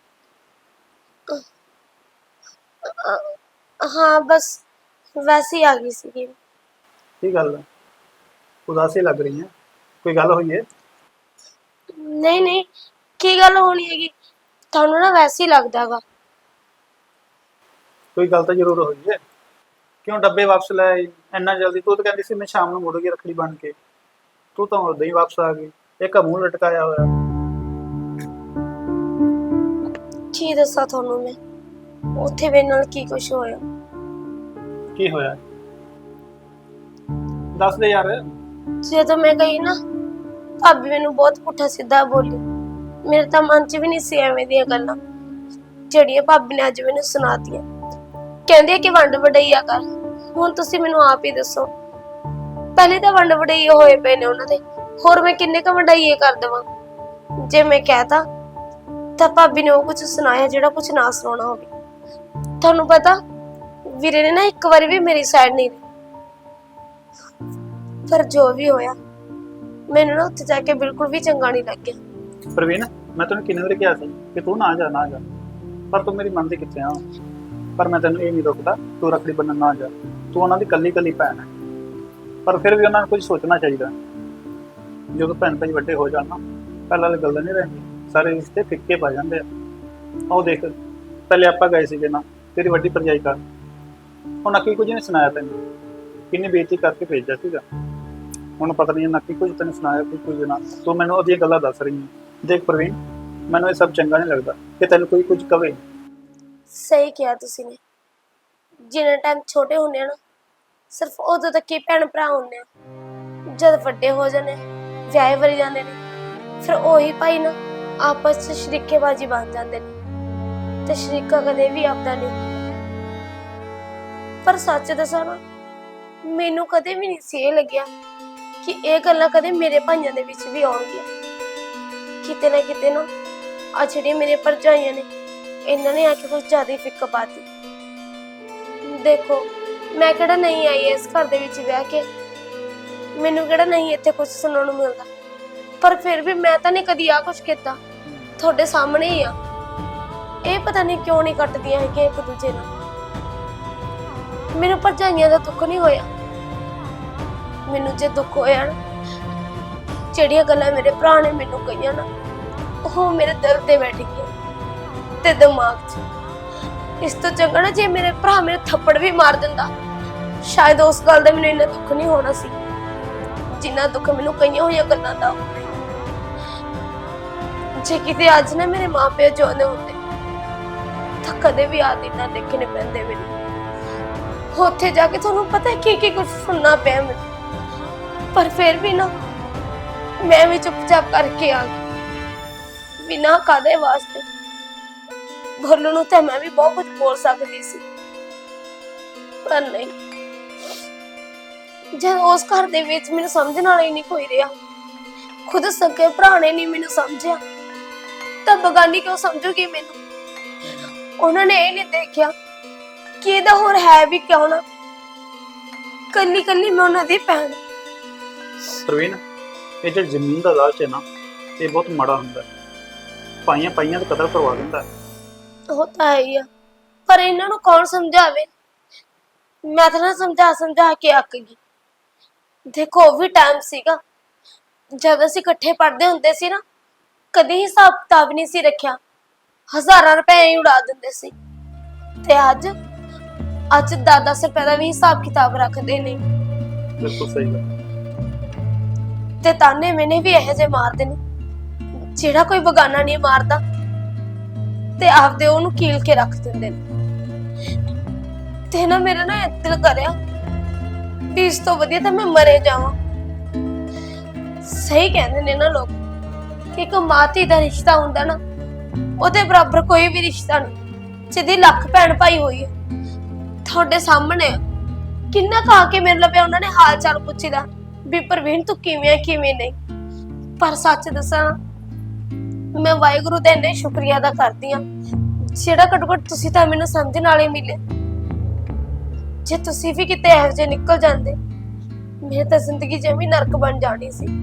Speaker 1: ਹਾਂ ਬਸ ਵੈਸੇ ਹੀ ਆ ਗਈ ਸੀਗੀ।
Speaker 4: ਕੀ ਗੱਲ ਹੈ, ਉਦਾਸੀ ਲੱਗ ਰਹੀ ਹੈ? ਕੋਈ ਗੱਲ ਹੋਈ ਹੈ?
Speaker 1: ਨਹੀਂ ਨਹੀਂ ਕੀ ਗੱਲ ਹੋਣੀ ਹੈਗੀ, ਤੁਹਾਨੂੰ ਨਾ ਵੈਸੇ ਹੀ ਲੱਗਦਾਗਾ।
Speaker 4: ਕੋਈ ਗੱਲ ਤਾਂ ਜ਼ਰੂਰ ਹੋਈ ਹੈ। ਕਿਉਂ ਡੱਬੇ ਵਾਪਸ ਲੈ ਆਈ ਇੰਨਾ ਜਲਦੀ? ਤੂੰ ਤਾਂ ਕਹਿੰਦੀ ਸੀ ਮੈਂ ਸ਼ਾਮ ਨੂੰ ਮੁੜੂਗੀ ਰੱਖੜੀ ਬਣ ਕੇ, ਤੂੰ ਤਾਂ ਉਦੋਂ ਹੀ ਵਾਪਸ ਆ ਗਈ। ਇੱਕ ਮੂੰਹ ਲਟਕਾਇਆ ਹੋਇਆ।
Speaker 1: ਕੀ ਦੱਸਾਂ ਤੁਹਾਨੂੰ ਮੈਂ, ਉੱਥੇ ਮੇਰੇ ਨਾਲ ਕੀ ਕੁਝ ਹੋਇਆ।
Speaker 4: ਕੀ ਹੋਇਆ ਦੱਸ ਦੇ ਯਾਰ।
Speaker 1: ਜਦੋਂ ਮੈਂ ਗਈ ਨਾ, ਭਾਬੀ ਮੈਨੂੰ ਬਹੁਤ ਪੁੱਠਾ ਸਿੱਧਾ ਬੋਲੀ। ਮੇਰੇ ਤਾਂ ਮਨ 'ਚ ਵੀ ਨਹੀਂ ਸੀ ਐਵੇਂ ਦੀਆਂ ਗੱਲਾਂ। ਜਿਹੜੀਆਂ ਭਾਬੀ ਨੇ ਅੱਜ ਮੈਨੂੰ ਸੁਣਾਤੀਆਂ। ਕਹਿੰਦੇ ਆ ਕਿ ਵੰਡ ਵਡਈਆ ਕਰ। ਹੁਣ ਤੁਸੀਂ ਮੈਨੂੰ ਆਪ ਹੀ ਦੱਸੋ, ਪਹਿਲੇ ਤਾਂ ਵੰਡ ਵਡਈਏ ਹੋਏ ਪਏ ਨੇ ਉਹਨਾਂ ਦੇ, ਹੋਰ ਮੈਂ ਕਿੰਨੇ ਕ ਵਡਈਏ ਕਰ ਦੇਵਾਂ? ਜੇ ਮੈਂ ਕਹਿਤਾ ਤਾਂ ਭਾਬੀ ਨੇ ਉਹ ਕੁਝ ਸੁਣਾਇਆ ਜਿਹੜਾ ਕੁਝ ਨਾ ਸੁਣਾਉਣਾ ਹੋਵੇ। ਤੁਹਾਨੂੰ ਪਤਾ ਵੀਰੇ ਨੇ ਨਾ ਇੱਕ ਵਾਰੀ ਵੀ ਮੇਰੀ ਸਾਈਡ ਨਹੀਂ ਲਈ, ਪਰ ਜੋ ਵੀ ਹੋਇਆ ਮੈਨੂੰ ਨਾ ਉੱਥੇ ਜਾ ਕੇ ਬਿਲਕੁਲ ਵੀ ਚੰਗਾ ਨਹੀਂ ਲੱਗਿਆ।
Speaker 4: ਪ੍ਰਵੀਨ, ਮੈਂ ਤੈਨੂੰ ਕਿੰਨੇ ਵਾਰੀ ਕਿਹਾ ਸੀ ਕਿ ਤੂੰ ਨਾ ਜਾ, ਪਰ ਤੂੰ ਮੇਰੀ ਮੰਨਦੀ ਕਿੱਥੇ ਆ? ਪਰ ਮੈਂ ਤੈਨੂੰ ਇਹ ਨਹੀਂ ਰੋਕਦਾ, ਤੂੰ ਰੱਖੜੀ ਬੰਨਣ ਨਾ ਜਾ। ਤੂੰ ਉਹਨਾਂ ਦੀ ਕੱਲੀ ਭੈਣ ਹੈ, ਪਰ ਫਿਰ ਵੀ ਉਹਨਾਂ ਨੂੰ ਕੁਝ ਸੋਚਣਾ ਚਾਹੀਦਾ। ਜਦੋਂ ਭੈਣ ਭਾਈ ਵੱਡੇ ਹੋ ਜਾਣ ਨਾ, ਪਹਿਲਾਂ ਵਾਲੀ ਗੱਲ ਨਹੀਂ ਰਹਿੰਦੀ, ਸਾਰੇ ਰਿਸ਼ਤੇ ਫਿੱਕੇ ਪੈ ਜਾਂਦੇ ਆ। ਉਹ ਦੇਖ, ਪਹਿਲੇ ਆਪਾਂ ਗਏ ਸੀਗੇ ਨਾ ਤੇਰੀ ਵੱਡੀ ਭਰਜਾਈ ਘਰ, ਉਹ ਨੱਕੀ ਕੁਝ ਨਹੀਂ ਸੁਣਾਇਆ ਤੈਨੂੰ, ਕਿੰਨੀ ਬੇਇੱਜ਼ਤੀ ਕਰਕੇ ਭੇਜਿਆ ਸੀਗਾ। ਹੁਣ ਪਤਾ ਨਹੀਂ ਨੱਕੀ ਕੁਝ ਤੈਨੂੰ ਸੁਣਾਇਆ ਕੁਝ ਨਾ, ਤੂੰ ਮੈਨੂੰ ਉਹਦੀਆਂ ਗੱਲਾਂ ਦੱਸ ਰਹੀ ਹੈ। ਦੇਖ ਪ੍ਰਵੀਨ, ਮੈਨੂੰ ਇਹ ਸਭ ਚੰਗਾ ਨਹੀਂ ਲੱਗਦਾ ਕਿ ਤੈਨੂੰ ਕੋਈ ਕੁਝ ਕਵੇ।
Speaker 1: ਸਹੀ ਕਿਹਾ ਤੁਸੀਂ ਨੇ, ਜਿੰਨਾ ਟਾਈਮ ਛੋਟੇ ਹੁੰਦੇ ਆ ਨਾ, ਸਿਰਫ ਉਦੋਂ ਤੱਕ ਹੀ ਭੈਣ ਭਰਾ ਹੁੰਦੇ ਆ। ਜਦ ਵੱਡੇ ਹੋ ਜਾਂਦੇ, ਵਿਆਹੇ ਵਰੀ ਜਾਂਦੇ ਨੇ, ਫਿਰ ਉਹੀ ਭਾਈ ਨਾ ਆਪਸ ਵਿੱਚ ਸ਼ਰੀਕੇਬਾਜ਼ੀ ਬਣ ਜਾਂਦੇ ਨੇ, ਤੇ ਸ਼ਰੀਕਾ ਕਦੇ ਵੀ ਆਪਦਾ ਨਹੀਂ। ਪਰ ਸੱਚ ਦੱਸਾਂ ਨਾ, ਮੈਨੂੰ ਕਦੇ ਵੀ ਨਹੀਂ ਸੀ ਇਹ ਲੱਗਿਆ ਕਿ ਇਹ ਗੱਲਾਂ ਕਦੇ ਮੇਰੇ ਭਾਈਆਂ ਦੇ ਵਿੱਚ ਵੀ ਆਉਣਗੀਆਂ। ਕਿਤੇ ਨਾ ਕਿਤੇ ਨਾ ਆ ਜਿਹੜੀਆਂ ਮੇਰੇ ਭਰਜਾਈਆਂ ਨੇ, ਇਹਨਾਂ ਨੇ ਆ ਕੇ ਕੁਝ ਜ਼ਿਆਦਾ ਹੀ ਫਿੱਕ ਪਾਤੀ। ਦੇਖੋ, ਮੈਂ ਕਿਹੜਾ ਨਹੀਂ ਆਈ ਇਸ ਘਰ ਦੇ ਵਿੱਚ ਵਿਆਹ ਕੇ, ਮੈਨੂੰ ਕਿਹੜਾ ਨਹੀਂ ਇੱਥੇ ਕੁਝ ਸੁਣਨ ਨੂੰ ਮਿਲਦਾ, ਪਰ ਫਿਰ ਵੀ ਮੈਂ ਤਾਂ ਨਹੀਂ ਕਦੀ ਆ ਕੁਝ ਕੀਤਾ। ਤੁਹਾਡੇ ਸਾਹਮਣੇ ਹੀ ਆ। ਇਹ ਪਤਾ ਨਹੀਂ ਕਿਉਂ ਨਹੀਂ ਕੱਟਦੀਆਂ ਹੈਗੀਆਂ ਇੱਕ ਦੂਜੇ ਨਾਲ। ਮੈਨੂੰ ਭਰਜਾਈਆਂ ਦਾ ਦੁੱਖ ਨਹੀਂ ਹੋਇਆ, ਮੈਨੂੰ ਜੇ ਦੁੱਖ ਹੋਇਆ ਨਾ, ਜਿਹੜੀਆਂ ਗੱਲਾਂ ਮੇਰੇ ਭਰਾ ਨੇ ਮੈਨੂੰ ਕਹੀਆਂ ਨਾ, ਉਹ ਮੇਰੇ ਦਿਲ ਤੇ ਬੈਠ ਗਈਆਂ ਤੇ ਦਿਮਾਗ 'ਚ। ਇਸ ਤੋਂ ਚੰਗਾ ਨਾ ਜੇ ਮੇਰੇ ਭਰਾ ਮੇਰੇ ਥੱਪੜ ਵੀ ਮਾਰ ਦਿੰਦਾ, ਸ਼ਾਇਦ ਉਸ ਗੱਲ ਦਾ ਮੈਨੂੰ ਇੰਨਾ ਦੁੱਖ ਨਹੀਂ ਹੋਣਾ ਸੀ ਜਿੰਨਾ ਦੁੱਖ ਮੈਨੂੰ ਕਈਆਂ ਹੋਈਆਂ ਗੱਲਾਂ ਦਾ। ਜੇ ਕਿਤੇ ਅੱਜ ਨਾ ਮੇਰੇ ਮਾਪੇ ਜਿਉਂਦੇ ਹੁੰਦੇ ਤਾਂ ਕਦੇ ਵੀ ਆ ਦਿਨ ਨਾ ਦੇਖਣੇ ਪੈਂਦੇ ਮੈਨੂੰ। ਉੱਥੇ ਜਾ ਕੇ ਤੁਹਾਨੂੰ ਪਤਾ ਕੀ ਕੁਝ ਸੁਣਨਾ ਪਿਆ ਮੈਨੂੰ, ਪਰ ਫਿਰ ਵੀ ਨਾ ਮੈਂ ਵੀ ਚੁੱਪਚਾਪ ਕਰਕੇ ਆ ਗਈ। ਬਿਨਾਂ ਕਾਦੇ ਵਾਸਤੇ ਬੋਲਣ ਨੂੰ ਤਾਂ ਮੈਂ ਵੀ ਬਹੁਤ ਕੁਝ ਬੋਲ ਸਕਦੀ ਸੀ, ਪਰ ਨਹੀਂ। ਜਦ ਉਸ ਘਰ ਦੇ ਵਿੱਚ ਮੈਨੂੰ ਸਮਝਣ ਵਾਲਾ ਹੀ ਨਹੀਂ ਕੋਈ ਰਿਹਾ, ਖੁਦ ਸਕੇ ਭਰਾ ਨੇ ਨਹੀਂ ਮੈਨੂੰ ਸਮਝਿਆ, ਤਾਂ ਬਗਾਨੀ ਕਿਉਂ ਸਮਝੂਗੀ ਮੈਨੂੰ? ਉਹਨਾਂ ਨੇ ਇਹ ਨਹੀਂ ਦੇਖਿਆ ਕਿ ਇਹਦਾ ਹੋਰ ਹੈ ਵੀ ਕਿਉਂ ਨਾ, ਕੱਲੀ ਕੱਲੀ ਮੈਂ ਉਹਨਾਂ ਦੀ ਭੈਣ।
Speaker 4: ਪ੍ਰਵੀਨ, ਇਹ ਜਿਹੜੀ ਜ਼ਮੀਨ ਦਾ ਲਾਲਚ ਹੈ ਨਾ, ਇਹ ਬਹੁਤ ਮਾੜਾ ਹੁੰਦਾ ਹੈ। ਪਾਈਆਂ ਪਾਈਆਂ ਦਾ ਕਦਰ ਕਰਵਾ ਦਿੰਦਾ ਹੈ।
Speaker 1: ਉਹ ਤਾਂ ਹੈ ਹੀ ਆ, ਪਰ ਇਹਨਾਂ ਨੂੰ ਕੌਣ ਸਮਝਾਵੇ? ਮੈਂ ਤਾਂ ਨਾ ਸਮਝਾ ਕੇ ਅੱਕ ਗਈ। ਦੇਖੋ, ਉਹ ਵੀ ਟਾਈਮ ਸੀਗਾ ਜਦ ਅਸੀਂ ਇਕੱਠੇ ਪੜ੍ਹਦੇ ਹੁੰਦੇ ਸੀ ਨਾ, ਕਦੀ ਹਿਸਾਬ ਕਿਤਾਬ ਨਹੀਂ ਸੀ ਰੱਖਿਆ, ਹਜ਼ਾਰਾਂ ਰੁਪਏ ਹੀ ਉਡਾ ਦਿੰਦੇ ਸੀ। ਤੇ ਅੱਜ 10-10 ਰੁਪਏ ਦਾ ਵੀ ਹਿਸਾਬ ਕਿਤਾਬ ਰੱਖਦੇ ਨੇ।
Speaker 4: ਬਿਲਕੁਲ ਸਹੀ ਗੱਲ।
Speaker 1: ਤੇ ਤਾਨੇ ਮੈਨੇ ਵੀ ਇਹੋ ਜਿਹੇ ਮਾਰਦੇ ਨੇ, ਜਿਹੜਾ ਕੋਈ ਬਗਾਨਾ ਨਹੀਂ ਮਾਰਦਾ ਤੇ ਆਪਦੇ ਉਹਨੂੰ ਕੀਲ ਕੇ ਰੱਖ ਦਿੰਦੇ ਨੇ। ਤੇ ਨਾ ਮੇਰਾ ਨਾ ਦਿਲ ਕਰਿਆ ਵੀ ਇਸ ਤੋਂ ਵਧੀਆ ਤਾਂ ਮੈਂ ਮਰੇ ਜਾਵਾਂ। ਸਹੀ ਕਹਿੰਦੇ ਨੇ ਨਾ ਲੋਕ ਕਿ ਇੱਕ ਮਾਤੀ ਦਾ ਰਿਸ਼ਤਾ ਹੁੰਦਾ ਨਾ, ਉਹਦੇ ਬਰਾਬਰ ਕੋਈ ਵੀ ਰਿਸ਼ਤਾ ਨਹੀਂ। ਜਿਹਦੀ ਲੱਖ ਭੈਣ ਭਾਈ ਹੋਈ ਹੈ, ਤੁਹਾਡੇ ਸਾਹਮਣੇ ਕਿੰਨਾ ਖਾ ਕੇ ਮੇਰੇ ਲੱਭਿਆ ਉਹਨਾਂ ਨੇ ਹਾਲ ਚਾਲ ਪੁੱਛੀਦਾ ਵੀ ਪ੍ਰਵੀਨ ਤੂੰ ਕਿਵੇਂ ਕਿਵੇਂ ਨਹੀਂ। ਪਰ ਸੱਚ ਦੱਸਾਂ, ਮੈਂ ਵਾਹਿਗੁਰੂ ਦਾ ਇੰਨਾ ਸ਼ੁਕਰੀਆ ਅਦਾ ਕਰਦੀ ਹਾਂ, ਜਿਹੜਾ ਘੱਟੋ ਘੱਟ ਤੁਸੀਂ ਤਾਂ ਮੈਨੂੰ ਸਮਝਣ ਵਾਲੇ ਮਿਲੇ। ਜੇ ਤੁਸੀਂ ਵੀ ਕਿਤੇ ਇਹੋ ਜਿਹੇ ਨਿਕਲ ਜਾਂਦੇ, ਮੇਰੀ ਤਾਂ ਜ਼ਿੰਦਗੀ ਜਮੀ ਨਰਕ ਬਣ ਜਾਣੀ ਸੀ।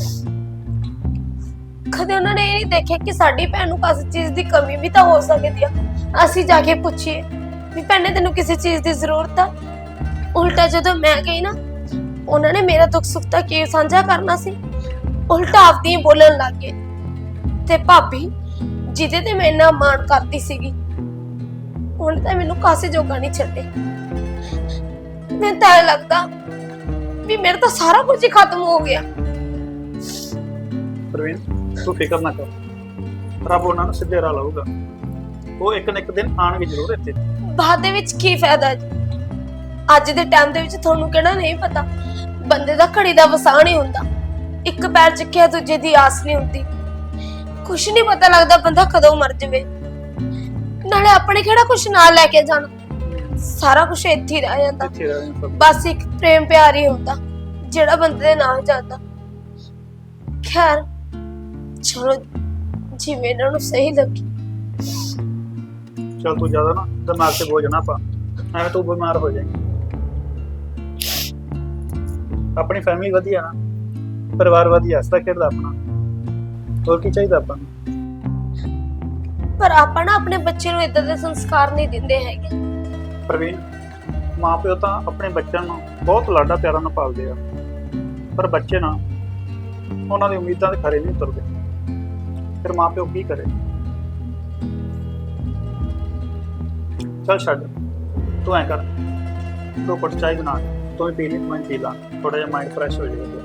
Speaker 1: ਕਦੇ ਉਹਨਾਂ ਨੇ ਇਹ ਨਹੀਂ ਦੇਖਿਆ ਕਿ ਸਾਡੀ ਭੈਣ ਨੂੰ ਕਿਸੇ ਚੀਜ਼ ਦੀ ਕਮੀ ਵੀ ਤਾਂ ਹੋ ਸਕਦੀ ਆ। ਅਸੀਂ ਜਾ ਕੇ ਪੁੱਛੀਏ ਵੀ ਭੈਣੇ ਤੈਨੂੰ ਕਿਸੇ ਚੀਜ਼ ਦੀ ਜ਼ਰੂਰਤ ਆ? ਉਲਟਾ ਜਦੋਂ ਮੈਂ ਗਈ ਨਾ, ਉਹਨਾਂ ਨੇ ਮੇਰਾ ਦੁੱਖ ਸੁੱਖ ਤਾਂ ਕੀ ਸਾਂਝਾ ਕਰਨਾ ਸੀ, ਉਲਟਾ ਆਪਦੀ ਬੋਲਣ ਲੱਗ ਗਏ। ਤੇ ਭਾਬੀ ਜਿਹਦੇ ਤੇ ਮੈਂ ਇੰਨਾ ਮਾਣ ਕਰਦੀ ਸੀਗੀ, ਉਹਨੇ ਤਾਂ ਮੈਨੂੰ ਕਾਸੇ ਜੋਗਾ ਨਹੀਂ ਛੱਡੇ। ਮੈਨੂੰ ਤਾਂ ਲੱਗਦਾ ਵੀ ਮੇਰਾ ਤਾਂ ਸਾਰਾ ਕੁਝ ਹੀ ਖਤਮ ਹੋ ਗਿਆ।
Speaker 4: ਪ੍ਰਵੀਨ, ਤੂੰ ਫਿਕਰ ਨਾ ਕਰ, ਰੱਬ ਉਹਨਾਂ ਨੂੰ ਸਿੱਧੇ ਰਾਹ ਲਾਊਗਾ। ਉਹ ਇੱਕ ਨਾ ਇੱਕ ਦਿਨ ਆਣਗੇ ਜ਼ਰੂਰ ਇੱਥੇ।
Speaker 1: ਬਾਅਦ ਦੇ ਵਿੱਚ ਕੀ ਫਾਇਦਾ ਜੀ? ਅੱਜ ਦੇ ਟਾਈਮ ਦੇ ਵਿੱਚ ਤੁਹਾਨੂੰ ਕਿਹੜਾ ਨਹੀਂ ਪਤਾ, ਬੰਦੇ ਦਾ ਘੜੀ ਦਾ ਵਸਾਹ ਨਹੀਂ ਹੁੰਦਾ, ਇੱਕ ਪੈਰ ਚੱਕਿਆ ਦੂਜੇ ਦੀ ਆਸ ਨਹੀਂ ਹੁੰਦੀ। ਕੁਛ ਨਹੀਂ ਪਤਾ ਲੱਗਦਾ ਬੰਦਾ ਕਦੋਂ ਮਰ ਜਾਵੇ। ਨਾਲੇ ਆਪਣੇ ਕਿਹੜਾ ਕੁਛ ਨਾਲ ਲੈ ਕੇ ਜਾਣਾ, ਸਾਰਾ ਕੁਝ ਇੱਥੇ ਹੀ ਰਹਿ ਜਾਂਦਾ।
Speaker 4: ਇੱਥੇ ਰਹਿ ਜਾਣਾ ਸਭ।
Speaker 1: ਬਸ ਇੱਕ ਪ੍ਰੇਮ ਪਿਆਰ ਹੀ ਹੁੰਦਾ ਜਿਹੜਾ ਬੰਦੇ ਦੇ ਨਾਲ ਜਾਂਦਾ। ਖੈਰ ਚਲੋ ਜਿਵੇਂ ਇਹਨਾਂ ਨੂੰ ਸਹੀ ਲੱਗੇ।
Speaker 4: ਚੱਲ ਤੂੰ ਜ਼ਿਆਦਾ ਨਾ ਦਿਮਾਗ ਤੇ ਬੋਝ ਨਾ ਪਾ, ਐਵੇਂ ਤੂੰ ਬਿਮਾਰ ਹੋ ਜਾਏਂਗੀ। ਆਪਣੀ ਫੈਮਿਲੀ ਵਧੀਆ ਨਾ, ਪਰਿਵਾਰ ਵਧੀਆ, ਹੱਸਦਾ ਖੇਡਦਾ ਆਪਣਾ, ਹੋਰ ਕੀ ਚਾਹੀਦਾ ਆਪਾਂ ਨੂੰ।
Speaker 1: ਪਰ ਆਪਾਂ ਨਾ ਆਪਣੇ ਬੱਚੇ ਨੂੰ ਇਦਾਂ ਦੇ ਸੰਸਕਾਰ ਨਹੀਂ ਦਿੰਦੇ ਹੈਗੇ।
Speaker 4: ਪ੍ਰਵੀਨ, ਮਾਂ ਪਿਓ ਤਾਂ ਆਪਣੇ ਬੱਚਿਆਂ ਨੂੰ ਬਹੁਤ ਲਾਡਾ ਪਿਆਰਾਂ ਨਾਲ ਪਾਲਦੇ ਆ, ਪਰ ਬੱਚੇ ਨਾ ਉਹਨਾਂ ਦੀ ਉਮੀਦਾਂ ਦੇ ਖਰੇ ਨਹੀਂ ਉਤਰਦੇ। ਫਿਰ ਮਾਂ ਪਿਓ ਕੀ ਕਰੇ। ਚੱਲ ਛੱਡ, ਤੂੰ ਐਂ ਕਰ, 2 ਘੁੱਟ ਚਾਹ ਬਣਾ, ਤੂੰ ਵੀ ਪੀ ਲਈ, ਮੈਂ ਪੀ ਲਾਂ, ਥੋੜਾ ਜਿਹਾ ਮਾਈਂਡ ਫਰੈਸ਼ ਹੋ ਜਾਏਗਾ।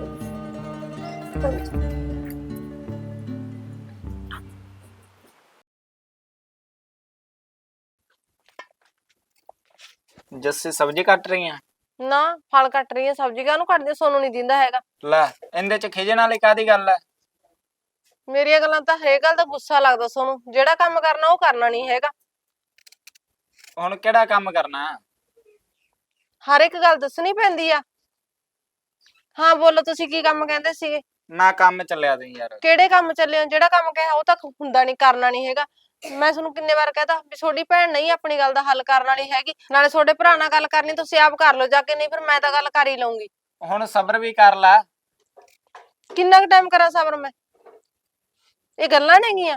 Speaker 3: ਜੱਸੀ ਸਬਜ਼ੀ ਕੱਟ ਰਹੀ ਆ?
Speaker 2: ਨਾ ਫਲ ਕੱਟ ਰਹੀ ਆ, ਸਬਜ਼ੀ ਕਾਹਨੂੰ ਕੱਟਦੀ, ਸੋਨੂੰ ਨਹੀਂ ਦਿੰਦਾ ਹੈਗਾ।
Speaker 3: ਲੈ ਇਹਦੇ ਚ ਖਿਜਣ ਵਾਲੀ ਕਾਦੀ ਗੱਲ ਹੈ?
Speaker 2: ਮੇਰੀਆਂ ਗੱਲਾਂ ਤਾਂ ਹਰੇਕ ਗੱਲ ਦਾ ਗੁੱਸਾ ਲੱਗਦਾ ਸੋਨੂੰ, ਜਿਹੜਾ ਕੰਮ ਕਰਨਾ ਉਹ ਕਰਨਾ ਨਹੀਂ ਹੈਗਾ।
Speaker 3: ਹੁਣ ਕਿਹੜਾ ਕੰਮ ਕਰਨਾ?
Speaker 2: ਹਰ ਇੱਕ ਗੱਲ ਦੱਸਣੀ ਪੈਂਦੀ ਆ। ਹਾਂ ਬੋਲੋ, ਤੁਸੀਂ ਕੀ ਕੰਮ ਕਹਿੰਦੇ ਸੀਗੇ?
Speaker 3: ਨਾ ਕੰਮ ਚੱਲਿਆ ਤੂੰ ਯਾਰ।
Speaker 2: ਕਿਹੜੇ ਕੰਮ ਚੱਲੇ ਹੋ? ਜਿਹੜਾ ਕੰਮ ਕਿਹਾ ਉਹ ਤਾਂ ਹੁੰਦਾ ਨਹੀਂ, ਕਰਨਾ ਨਹੀਂ ਹੈਗਾ। ਮੈਂ ਤੁਹਾਨੂੰ ਕਿੰਨੇ ਵਾਰ ਕਹਤਾ ਵੀ ਤੁਹਾਡੀ ਭੈਣ ਨਹੀਂ ਆਪਣੀ ਗੱਲ ਦਾ ਹੱਲ ਕਰਨ ਵਾਲੀ ਹੈਗੀ। ਨਾਲੇ ਤੁਹਾਡੇ ਭਰਾ ਨਾਲ ਗੱਲ ਕਰਨੀ ਤੁਸੀਂ ਆਪ ਕਰ ਲਓ ਜਾ ਕੇ, ਨਹੀਂ ਫਿਰ ਮੈਂ ਤਾਂ ਗੱਲ ਕਰ ਹੀ ਲਊਂਗੀ।
Speaker 3: ਹੁਣ ਸਬਰ ਵੀ ਕਰ ਲੈ।
Speaker 2: ਕਿੰਨਾ ਕੁ ਟਾਈਮ ਕਰਾਂ ਸਬਰ ਮੈਂ? ਇਹ ਗੱਲਾਂ ਨੇਗੀਆਂ।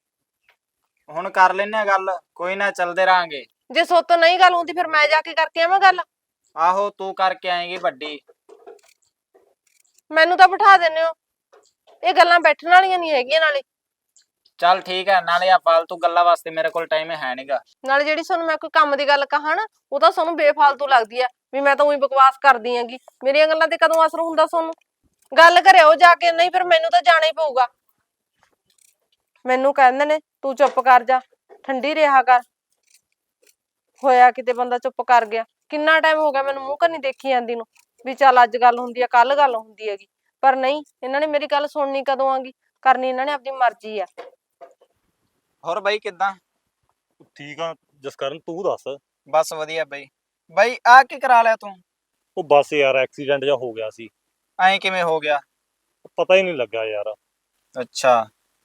Speaker 3: ਹੁਣ ਕਰ ਲੈਨੇ ਆ ਗੱਲ, ਕੋਈ ਨਾ ਚੱਲਦੇ ਰਾਂਗੇ।
Speaker 2: ਜੇ ਸੋਤੋਂ ਨਹੀਂ ਗੱਲ ਹੁੰਦੀ ਫਿਰ ਮੈਂ ਜਾ ਕੇ ਕਰਕੇ ਆਵਾਂ ਗੱਲ।
Speaker 3: ਆਹੋ ਤੂੰ ਕਰਕੇ ਆਏਗੀ ਵੱਡੀ।
Speaker 2: ਮੈਨੂੰ ਤਾਂ ਬਿਠਾ ਦਿੰਦੇ ਹੋ, ਇਹ ਗੱਲਾਂ ਬੈਠਣ ਵਾਲੀਆਂ ਨਹੀਂ ਹੈਗੀਆਂ।
Speaker 3: ਚੱਲ ਠੀਕ ਹੈ, ਨਾਲੇ ਆ ਫਾਲਤੂ ਗੱਲਾਂ ਵਾਸਤੇ ਮੇਰੇ ਕੋਲ ਟਾਈਮ ਹੈ ਨਹੀਂਗਾ।
Speaker 2: ਨਾਲੇ ਜਿਹੜੀ ਤੁਹਾਨੂੰ ਮੈਂ ਕੋਈ ਕੰਮ ਦੀ ਗੱਲ ਕਹਾਂ ਨਾ, ਉਹ ਤਾਂ ਤੁਹਾਨੂੰ ਬੇਫਾਲਤੂ ਲੱਗਦੀ ਆ ਵੀ ਮੈਂ ਤਾਂ ਉਹੀ ਬਕਵਾਸ ਕਰਦੀ ਆਂਗੀ। ਮੇਰੀਆਂ ਗੱਲਾਂ ਤੇ ਕਦੋਂ ਅਸਰ ਹੁੰਦਾ ਤੁਹਾਨੂੰ? ਗੱਲ ਕਰਿਓ ਜਾ ਕੇ, ਨਹੀਂ ਫਿਰ ਮੈਨੂੰ ਤਾਂ ਜਾਣਾ ਹੀ ਪਊਗਾ। ਮੈਨੂੰ ਕਹਿੰਦੇ ਨੇ ਤੂੰ ਚੁੱਪ ਕਰ ਜਾ, ਠੰਡੀ ਰਿਹਾ ਕਰ। ਹੋਇਆ ਕਿਤੇ ਬੰਦਾ ਚੁੱਪ ਕਰ ਗਿਆ। ਕਿੰਨਾ ਟਾਈਮ ਹੋ ਗਿਆ ਮੈਨੂੰ ਮੂੰਹ ਕੰਨੀ ਦੇਖੀ ਜਾਂਦੀ ਨੂੰ ਵੀ ਚੱਲ ਅੱਜ ਗੱਲ ਹੁੰਦੀ ਆ, ਕੱਲ ਗੱਲ ਹੁੰਦੀ ਹੈਗੀ। ਪਰ ਨਹੀਂ, ਇਹਨਾਂ ਨੇ ਮੇਰੀ ਗੱਲ ਸੁਣਨੀ ਕਦੋਂ ਆਂਗੀ, ਕਰਨੀ ਇਹਨਾਂ ਨੇ ਆਪਣੀ ਮਰਜ਼ੀ ਆ।
Speaker 3: ਹੋਰ ਬਾਈ ਕਿੱਦਾਂ?
Speaker 5: ਠੀਕ ਆ ਜਸਕਰਨ, ਤੂੰ ਦੱਸ।
Speaker 3: ਬਸ ਵਧੀਆ ਬਾਈ। ਬਾਈ ਆ ਕੀ ਕਰਾ ਲਿਆ ਤੂੰ?
Speaker 5: ਉਹ ਬੱਸ ਯਾਰ ਐਕਸੀਡੈਂਟ ਜਿਹਾ ਹੋ ਗਿਆ ਸੀ।
Speaker 3: ਐਂ ਕਿਵੇਂ ਹੋ ਗਿਆ?
Speaker 5: ਪਤਾ ਹੀ ਨਹੀਂ ਲੱਗਾ ਯਾਰ।
Speaker 3: ਅੱਛਾ,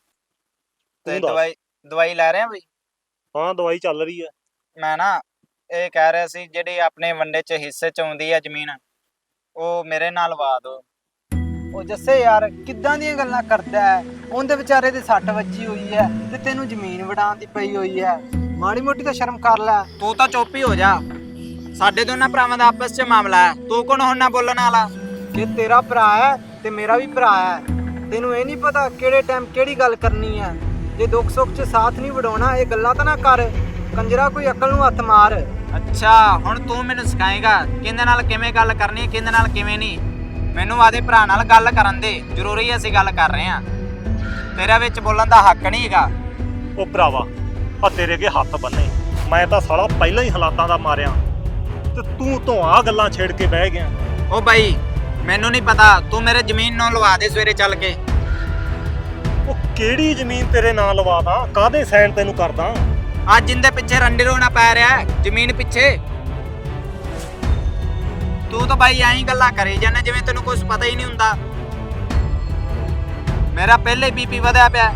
Speaker 3: ਤੇ
Speaker 5: ਤੂੰ ਦੱਸ।
Speaker 3: ਦਵਾਈ ਲੈ ਰਿਹਾ ਬਈ?
Speaker 5: ਹਾਂ ਦਵਾਈ ਚੱਲ ਰਹੀ ਹੈ।
Speaker 3: ਮੈਂ ਨਾ ਇਹ ਕਹਿ ਰਿਹਾ ਸੀ, ਜਿਹੜੀ ਆਪਣੇ ਵੰਡੇ ਚ ਹਿੱਸੇ ਚ ਆਉਂਦੀ ਆ ਜ਼ਮੀਨ, ਉਹ ਮੇਰੇ ਨਾਲ ਲਵਾ ਦੋ।
Speaker 6: ਉਹ ਜੱਸੇ ਯਾਰ ਕਿੱਦਾਂ ਦੀਆਂ ਗੱਲਾਂ ਕਰਦਾ ਹੈ? ਉਹਦੇ ਵਿਚਾਰੇ ਦੇ ਸੱਟ ਵੱਜੀ ਹੋਈ ਹੈ ਤੇ ਤੈਨੂੰ ਜ਼ਮੀਨ ਵਡਾਉਣ ਦੀ ਪਈ ਹੋਈ ਹੈ। ਮਾੜੀ ਮੋਟੀ ਤਾਂ ਸ਼ਰਮ ਕਰ ਲੈ।
Speaker 3: ਤੂੰ ਤਾਂ ਚੁੱਪ ਹੀ ਹੋ ਜਾ। ਸਾਡੇ ਦੋਨਾਂ ਭਰਾਵਾਂ ਦਾ ਆਪਸ ਚ ਮਾਮਲਾ ਹੈ, ਤੂੰ ਕੌਣ ਹੁਣ ਨਾ ਬੋਲਣ ਵਾਲਾ?
Speaker 6: ਕਿ ਤੇਰਾ ਭਰਾ ਹੈ ਤੇ ਮੇਰਾ ਵੀ ਭਰਾ ਹੈ। ਤੈਨੂੰ ਇਹ ਨਹੀਂ ਪਤਾ ਕਿਹੜੇ ਟਾਈਮ ਕਿਹੜੀ ਗੱਲ ਕਰਨੀ ਹੈ। ਜੇ ਦੁੱਖ ਸੁੱਖ 'ਚ ਸਾਥ ਨਹੀਂ ਵਡਾਉਣਾ, ਇਹ ਗੱਲਾਂ ਤਾਂ ਨਾ ਕਰ। ਕੰਜਰਾ ਕੋਈ ਅਕਲ ਨੂੰ ਹੱਥ ਮਾਰ।
Speaker 3: ਅੱਛਾ, ਹੁਣ ਤੂੰ ਮੈਨੂੰ ਸਿਖਾਏਗਾ ਕਿਹਦੇ ਨਾਲ ਕਿਵੇਂ ਗੱਲ ਕਰਨੀ ਹੈ, ਕਿਹਦੇ ਨਾਲ ਕਿਵੇਂ ਨਹੀਂ। ਮੈਨੂੰ ਆਦੇ ਭਰਾ ਨਾਲ ਗੱਲ ਕਰਨ ਦੇ, ਜ਼ਰੂਰੀ ਅਸੀਂ ਗੱਲ ਕਰ ਰਹੇ ਹਾਂ। ਤੇਰਾ ਵਿੱਚ ਬੋਲਣ ਦਾ ਹੱਕ ਨਹੀਂ ਹੈਗਾ।
Speaker 5: ਉਹ ਭਰਾਵਾ ਆ ਤੇਰੇ ਅੱਗੇ ਹੱਥ ਬੰਨੇ, ਮੈਂ ਤਾਂ ਸਾਲਾ ਪਹਿਲਾਂ ਹੀ ਹਾਲਾਤਾਂ ਦਾ ਮਾਰਿਆ ਤੇ ਤੂੰ ਤੋਂ ਆ ਗੱਲਾਂ ਛੇੜ ਕੇ ਬਹਿ ਗਿਆ।
Speaker 3: ਉਹ ਬਾਈ ਮੈਨੂੰ ਨਹੀਂ ਪਤਾ, ਤੂੰ ਮੇਰੇ ਜ਼ਮੀਨ ਨੂੰ ਲਵਾ ਦੇ ਸਵੇਰੇ ਚੱਲ ਕੇ।
Speaker 5: ਉਹ ਕਿਹੜੀ ਜ਼ਮੀਨ ਤੇਰੇ ਨਾਂ ਲਵਾਦਾ? ਕਾਹਦੇ ਸਾਈਨ ਤੈਨੂੰ ਕਰਦਾ?
Speaker 3: ਅੱਜ ਜਿੰਦੇ ਪਿੱਛੇ ਰੰਡੀ ਰੋਣਾ ਪੈ ਰਿਹਾ ਜ਼ਮੀਨ ਪਿੱਛੇ। ਤੂੰ ਤਾਂ ਬਾਈ ਐਂ ਗੱਲਾਂ ਕਰੀ ਜਾਂਦਾ ਜਿਵੇਂ ਤੈਨੂੰ ਕੁਝ ਪਤਾ ਹੀ ਨਹੀਂ ਹੁੰਦਾ। ਮੇਰਾ ਪਹਿਲੇ ਬੀਪੀ ਵਧਿਆ ਪਿਆ,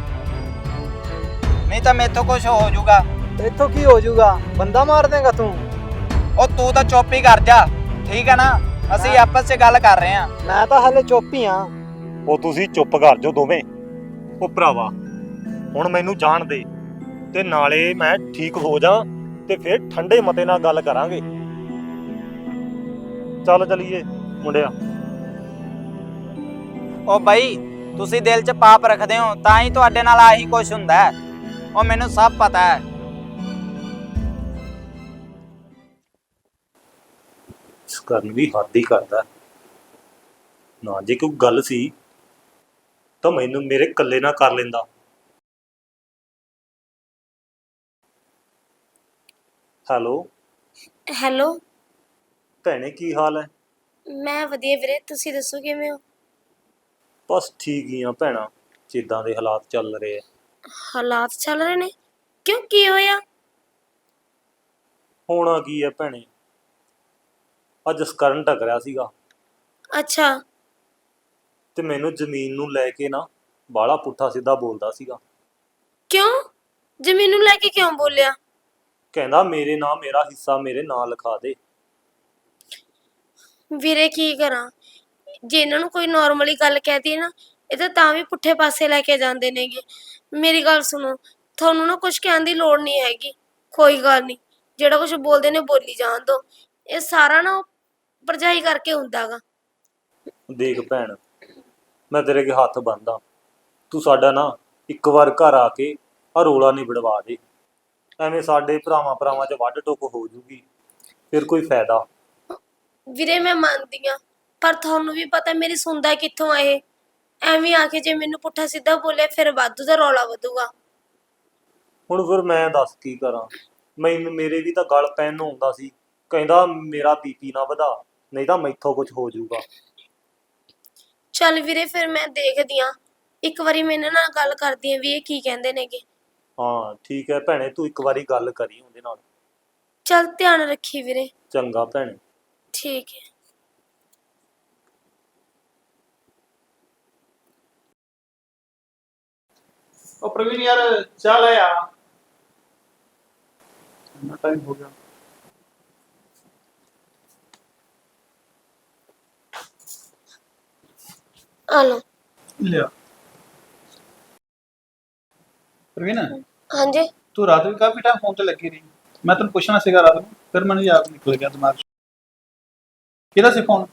Speaker 3: ਨਹੀਂ ਤਾਂ ਮੇਥੋਂ ਕੁਝ ਹੋ ਜਾਊਗਾ।
Speaker 6: ਇੱਥੋਂ ਕੀ ਹੋ ਜਾਊਗਾ? ਬੰਦਾ ਮਾਰ ਦੇਗਾ ਤੂੰ।
Speaker 3: ਉਹ ਤੂੰ ਤਾਂ ਚੁੱਪ ਹੀ ਕਰ ਜਾ, ਠੀਕ ਹੈ ਨਾ? ਅਸੀਂ ਆਪਸ 'ਚ ਗੱਲ ਕਰ ਰਹੇ ਹਾਂ।
Speaker 6: ਮੈਂ ਤਾਂ ਹਲੇ ਚੁੱਪ ਹੀ ਹਾਂ।
Speaker 5: ਉਹ ਤੁਸੀਂ ਚੁੱਪ ਕਰ ਜਾਓ ਦੋਵੇਂ। ਉਹ ਭਰਾਵਾ ਹੁਣ ਮੈਨੂੰ ਜਾਣ ਦੇ, ਤੇ ਨਾਲੇ ਮੈਂ ਠੀਕ ਹੋ ਜਾ ਤੇ ਫਿਰ ਠੰਡੇ ਮਤੇ ਨਾਲ ਗੱਲ ਕਰਾਂਗੇ। ਚੱਲ ਚਲੀਏ ਮੁੰਡਿਆ।
Speaker 3: ਉਹ ਬਾਈ ਤੁਸੀਂ ਦਿਲ 'ਚ ਪਾਪ ਰੱਖਦੇ ਹੋ ਤਾਂ ਹੀ ਤੁਹਾਡੇ ਨਾਲ ਆਹੀ ਕੁਝ ਹੁੰਦਾ ਹੈ। ਉਹ ਮੈਨੂੰ ਸਭ ਪਤਾ ਹੈ।
Speaker 5: ਇਸ ਕਰਨ ਵੀ ਹੱਦ ਹੀ ਕਰਦਾ ਨਾ। ਜੇ ਕੋਈ ਗੱਲ ਸੀ ਤਾਂ ਮੈਨੂੰ ਮੇਰੇ ਇਕੱਲੇ ਨਾਲ ਕਰ ਲੈਂਦਾ। ਹੈਲੋ
Speaker 1: ਹੈਲੋ,
Speaker 5: ਭੈਣੇ, ਕੀ ਹਾਲ ਹੈ?
Speaker 1: ਮੈਂ ਵਧੀਆ ਵੀਰੇ, ਤੁਸੀਂ ਦੱਸੋ ਕਿਵੇਂ ਹੋ?
Speaker 5: ਬਸ ਠੀਕ ਹੀ ਆ ਭੈਣਾ, ਜਿੱਦਾਂ ਦੇ ਹਾਲਾਤ ਚੱਲ ਰਹੇ ਆ।
Speaker 1: ਹਾਲਾਤ ਚੱਲ ਰਹੇ ਨੇ? ਕਿਉਂ, ਕੀ ਹੋਇਆ?
Speaker 5: ਹੋਣਾ ਕੀ ਹੈ ਭੈਣੇ, ਅੱਜ ਜਸਕਰਨ ਟਕਰਿਆ ਸੀਗਾ
Speaker 1: ਅੱਛਾ,
Speaker 5: ਤੇ ਮੈਨੂੰ ਜ਼ਮੀਨ ਨੂੰ ਲੈ ਕੇ ਨਾ ਬਾਹਲਾ ਪੁੱਠਾ ਸਿੱਧਾ ਬੋਲਦਾ ਸੀਗਾ।
Speaker 1: ਕਿਉਂ? ਜ਼ਮੀਨ ਨੂੰ ਲੈ ਕੇ ਕਿਉਂ ਬੋਲਿਆ?
Speaker 5: ਕਹਿੰਦਾ ਮੇਰੇ ਨਾਂ ਮੇਰਾ ਹਿੱਸਾ ਮੇਰੇ ਨਾਂ ਲਿਖਾ ਦੇ।
Speaker 1: ਵੀਰੇ ਕੀ ਕਰਾਂ, ਜੇ ਇਹਨਾਂ ਨੂੰ ਕੋਈ ਨਾਰਮਲੀ ਗੱਲ ਕਹਿਤੀ ਨਾ, ਇਹ ਤਾਂ ਵੀ ਪੁੱਠੇ ਪਾਸੇ ਲੈ ਕੇ ਜਾਂਦੇ ਨੇਗੇ। ਮੇਰੀ ਗੱਲ ਸੁਣੋ, ਤੁਹਾਨੂੰ ਨਾ ਕੁਝ ਕਹਿਣ ਦੀ ਲੋੜ ਨਹੀਂ ਹੈਗੀ। ਕੋਈ ਗੱਲ ਨਹੀਂ, ਜਿਹੜਾ ਕੁਝ ਬੋਲਦੇ ਨੇ ਬੋਲੀ ਜਾਣ ਦੋ। ਇਹ ਸਾਰਾ ਨਾ ਭਰਜਾਈ ਕਰਕੇ ਹੁੰਦਾ ਗਾ।
Speaker 5: ਦੇਖ ਭੈਣ, ਮੈਂ ਤੇਰੇ ਅੱਗੇ ਹੱਥ ਬੰਨ੍ਹਦਾ, ਤੂੰ ਸਾਡਾ ਨਾ ਇੱਕ ਵਾਰ ਘਰ ਆ ਕੇ ਆ ਰੋਲਾ ਨਿਬੜਵਾ ਦੇ। ਐਵੇਂ ਸਾਡੇ ਭਰਾਵਾਂ 'ਚ ਵੱਢ ਟੁੱਕ ਹੋ ਜੂਗੀ, ਫਿਰ ਕੋਈ ਫਾਇਦਾ।
Speaker 1: ਵੀਰੇ ਮੈਂ ਮੰਨਦੀ ਆ, ਪਰ ਤੁਹਾਨੂੰ ਵੀ ਪਤਾ ਮੇਰੀ ਸੁਣਦਾ ਕਿੱਥੋਂ ਆ ਇਹ। ਐਵੇਂ ਆ ਕੇ ਜੇ ਮੈਨੂੰ ਪੁੱਠਾ ਸਿੱਧਾ ਬੋਲੇ ਫਿਰ ਵਾਧੂ ਦਾ ਰੌਲਾ ਵਧੂਗਾ।
Speaker 5: ਹੁਣ ਫਿਰ ਮੈਂ ਦੱਸ ਕੀ ਕਰਾਂ, ਮੇਰੇ ਵੀ ਤਾਂ ਗਲ ਪੈਣ ਨੂੰ ਆਉਂਦਾ ਸੀ। ਕਹਿੰਦਾ ਮੇਰਾ ਬੀਪੀ ਨਾ ਵਧਾ, ਨਹੀਂ ਤਾਂ ਮੈਥੋਂ ਕੁਝ ਹੋ ਜਾਊਗਾ।
Speaker 1: ਚੱਲ ਵੀਰੇ ਫਿਰ ਮੈਂ ਦੇਖਦੀ ਆ, ਇੱਕ ਵਾਰੀ ਮੈਂ ਇਹਨਾਂ ਨਾਲ ਗੱਲ ਕਰਦੀ ਆ ਵੀ ਇਹ ਕੀ ਕਹਿੰਦੇ ਨੇਗੇ।
Speaker 5: ਹਾਂ ਠੀਕ ਹੈ ਭੈਣੇ, ਤੂੰ ਇੱਕ ਵਾਰੀ ਗੱਲ ਕਰੀ ਉਹਦੇ ਨਾਲ।
Speaker 1: ਚੱਲ ਧਿਆਨ ਰੱਖੀ ਵੀਰੇ।
Speaker 5: ਚੰਗਾ ਭੈਣੇ।
Speaker 1: ਠੀਕ ਹੈ।
Speaker 4: ਉਹ ਪ੍ਰਵੀਨ ਯਾਰ ਚਾਹ ਲੈ ਆ, ਇੰਨਾ ਟਾਈਮ ਹੋ ਗਿਆ।
Speaker 1: ਆ ਲਓ।
Speaker 4: ਲਿਆ ਪ੍ਰਵੀਨ,
Speaker 1: ਹਾਂਜੀ।
Speaker 4: ਤੂੰ ਰਾਤ ਵੀ ਕਾਫੀ ਟਾਈਮ ਫੋਨ ਤੇ ਲੱਗੀ ਰਹੀ। ਮੈਂ ਤੈਨੂੰ ਪੁੱਛਣਾ ਸੀਗਾ ਰਾਤ ਨੂੰ, ਫਿਰ ਮੈਨੂੰ ਯਾਦ ਨਿਕਲ ਗਿਆ ਦਿਮਾਗ 'ਚ। ਕਿਹਦਾ ਸੀ ਫੋਨ?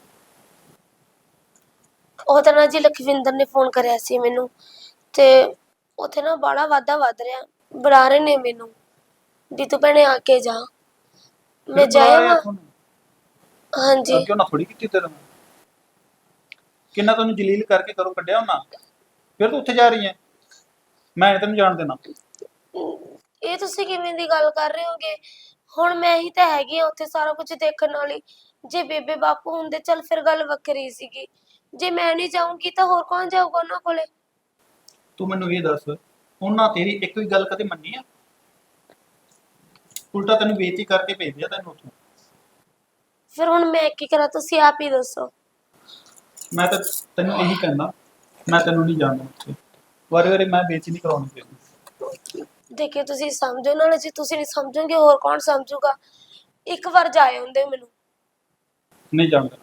Speaker 1: ਉਹ ਤਾਂ ਨਾ ਜੀ ਲਖਵਿੰਦਰ ਨੇ ਫੋਨ ਕਰਿਆ ਸੀ ਮੈਨੂੰ, ਤੇ ਉੱਥੇ ਨਾ ਬਾਹਲਾ ਵਾਧਾ ਵੱਧ ਰਿਹਾ। ਬੁਲਾ ਰਹੇ ਨੇ ਮੈਨੂੰ ਵੀ ਤੂੰ ਭੈਣੇ ਆ ਕੇ ਜਾ। ਮੈਂ ਜਾਇਆ। ਹਾਂਜੀ।
Speaker 4: ਅੱਗੇ ਉਹਨਾਂ ਥੋੜੀ ਕੀਤੀ ਤੇਰੇ ਨਾਲ, ਕਿੰਨਾ ਤੈਨੂੰ ਜਲੀਲ ਕਰਕੇ ਕਰੋ ਕੱਢਿਆ ਉਹਨਾਂ, ਫਿਰ ਤੂੰ ਉੱਥੇ ਜਾ ਰਹੀ ਹੈ। ਮੈਂ ਤੈਨੂੰ ਜਾਣ ਦੇਣਾ।
Speaker 1: ਇਹ ਤੁਸੀਂ ਕਿਵੇਂ ਦੀ ਗੱਲ ਕਰ ਰਹੇ ਹੋਗੇ? ਹੁਣ ਮੈਂ ਹੀ ਤਾਂ ਹੈਗੀ ਆ ਉੱਥੇ ਸਾਰਾ ਕੁਝ ਦੇਖਣ ਵਾਲੀ। ਜੇ ਬੇਬੇ ਬਾਪੂ ਹੁੰਦੇ ਚੱਲ ਫਿਰ ਗੱਲ ਵੱਖਰੀ ਸੀਗੀ। ਜੇ ਮੈਂ ਨਹੀਂ ਜਾਊਂਗੀ ਤਾਂ ਹੋਰ ਕੌਣ ਜਾਊਗਾ ਉਹਨਾਂ ਕੋਲੇ?
Speaker 4: ਤੂੰ ਮੈਨੂੰ ਇਹ ਦੱਸ, ਉਹਨਾਂ ਤੇਰੀ ਇੱਕ ਵੀ ਗੱਲ ਕਦੇ ਮੰਨੀ ਆ? ਉਲਟਾ ਤੈਨੂੰ ਬੇਇੱਜ਼ਤੀ ਕਰਕੇ ਭੇਜਿਆ ਤੈਨੂੰ ਉੱਥੋਂ।
Speaker 1: ਫਿਰ ਹੁਣ ਮੈਂ ਕੀ ਕਰਾਂ, ਤੁਸੀਂ ਆਪ ਹੀ ਦੱਸੋ।
Speaker 4: ਮੈਂ ਤਾਂ ਤੈਨੂੰ ਇਹੀ ਕਹਿੰਦਾ, ਮੈਂ ਤੈਨੂੰ ਨਹੀਂ ਜਾਣਦਾ ਉੱਥੇ। ਵਾਰੇ ਮੈਂ ਬੇਇੱਜ਼ਤੀ ਨਹੀਂ ਕਰਾਉਣੀ ਤੇਰੀ।
Speaker 1: ਦੇਖਿਓ ਤੁਸੀਂ ਸਮਝੋ ਨਾਲ, ਜੇ ਤੁਸੀਂ ਨਹੀਂ ਸਮਝੋਗੇ ਹੋਰ ਕੌਣ ਸਮਝੂਗਾ। ਇੱਕ ਵਾਰ ਜਾਏ ਹੁੰਦੇ ਮੈਨੂੰ।
Speaker 4: ਨਹੀਂ ਜਾਣਦਾ।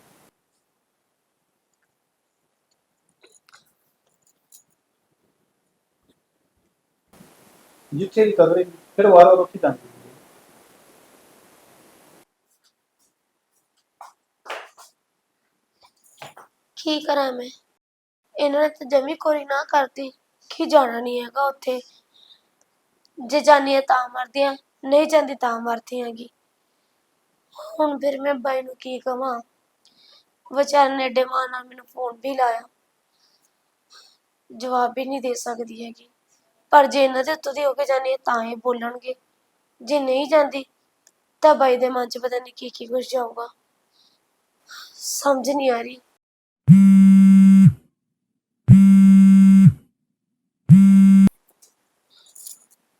Speaker 4: ਜਿੱਥੇ ਦੀ ਕਦਰੇ ਫਿਰ ਵਾਰ-ਵਾਰ ਉੱਥੇ ਜਾਂਦੀ।
Speaker 1: ਕੀ ਕਰਾਂ ਮੈਂ? ਇਹਨਾਂ ਨੇ ਤਾਂ ਜਮੀ ਕੋਰੀ ਨਾ ਕਰਤੀ ਕਿ ਜਾਣਾ ਨਹੀਂ ਹੈਗਾ ਉੱਥੇ। ਜੇ ਜਾਨੀ ਆ ਤਾਂ ਮਰਦੀ ਆ, ਨਹੀਂ ਜਾਂਦੀ ਤਾਂ ਮਰਦੀ ਹੈਗੀ। ਹੁਣ ਫਿਰ ਮੈਂ ਬਾਈ ਨੂੰ ਕੀ ਕਵਾਂ? ਵਿਚਾਰੇ ਨੇ ਏਡੇ ਮਾਂ ਨਾਲ ਮੈਨੂੰ ਫੋਨ ਵੀ ਲਾਇਆ, ਜਵਾਬ ਵੀ ਨਹੀਂ ਦੇ ਸਕਦੀ ਹੈਗੀ। ਪਰ ਜੇ ਇਹਨਾਂ ਦੇ ਉੱਤੋਂ ਦੀ ਹੋ ਕੇ ਜਾਨੀ ਆ ਤਾਂ ਇਹ ਬੋਲਣਗੇ, ਜੇ ਨਹੀਂ ਜਾਂਦੀ ਤਾਂ ਬਾਈ ਦੇ ਮਨ 'ਚ ਪਤਾ ਨਹੀਂ ਕੀ ਕੁਝ ਜਾਊਗਾ। ਸਮਝ ਨਹੀਂ ਆ ਰਹੀ।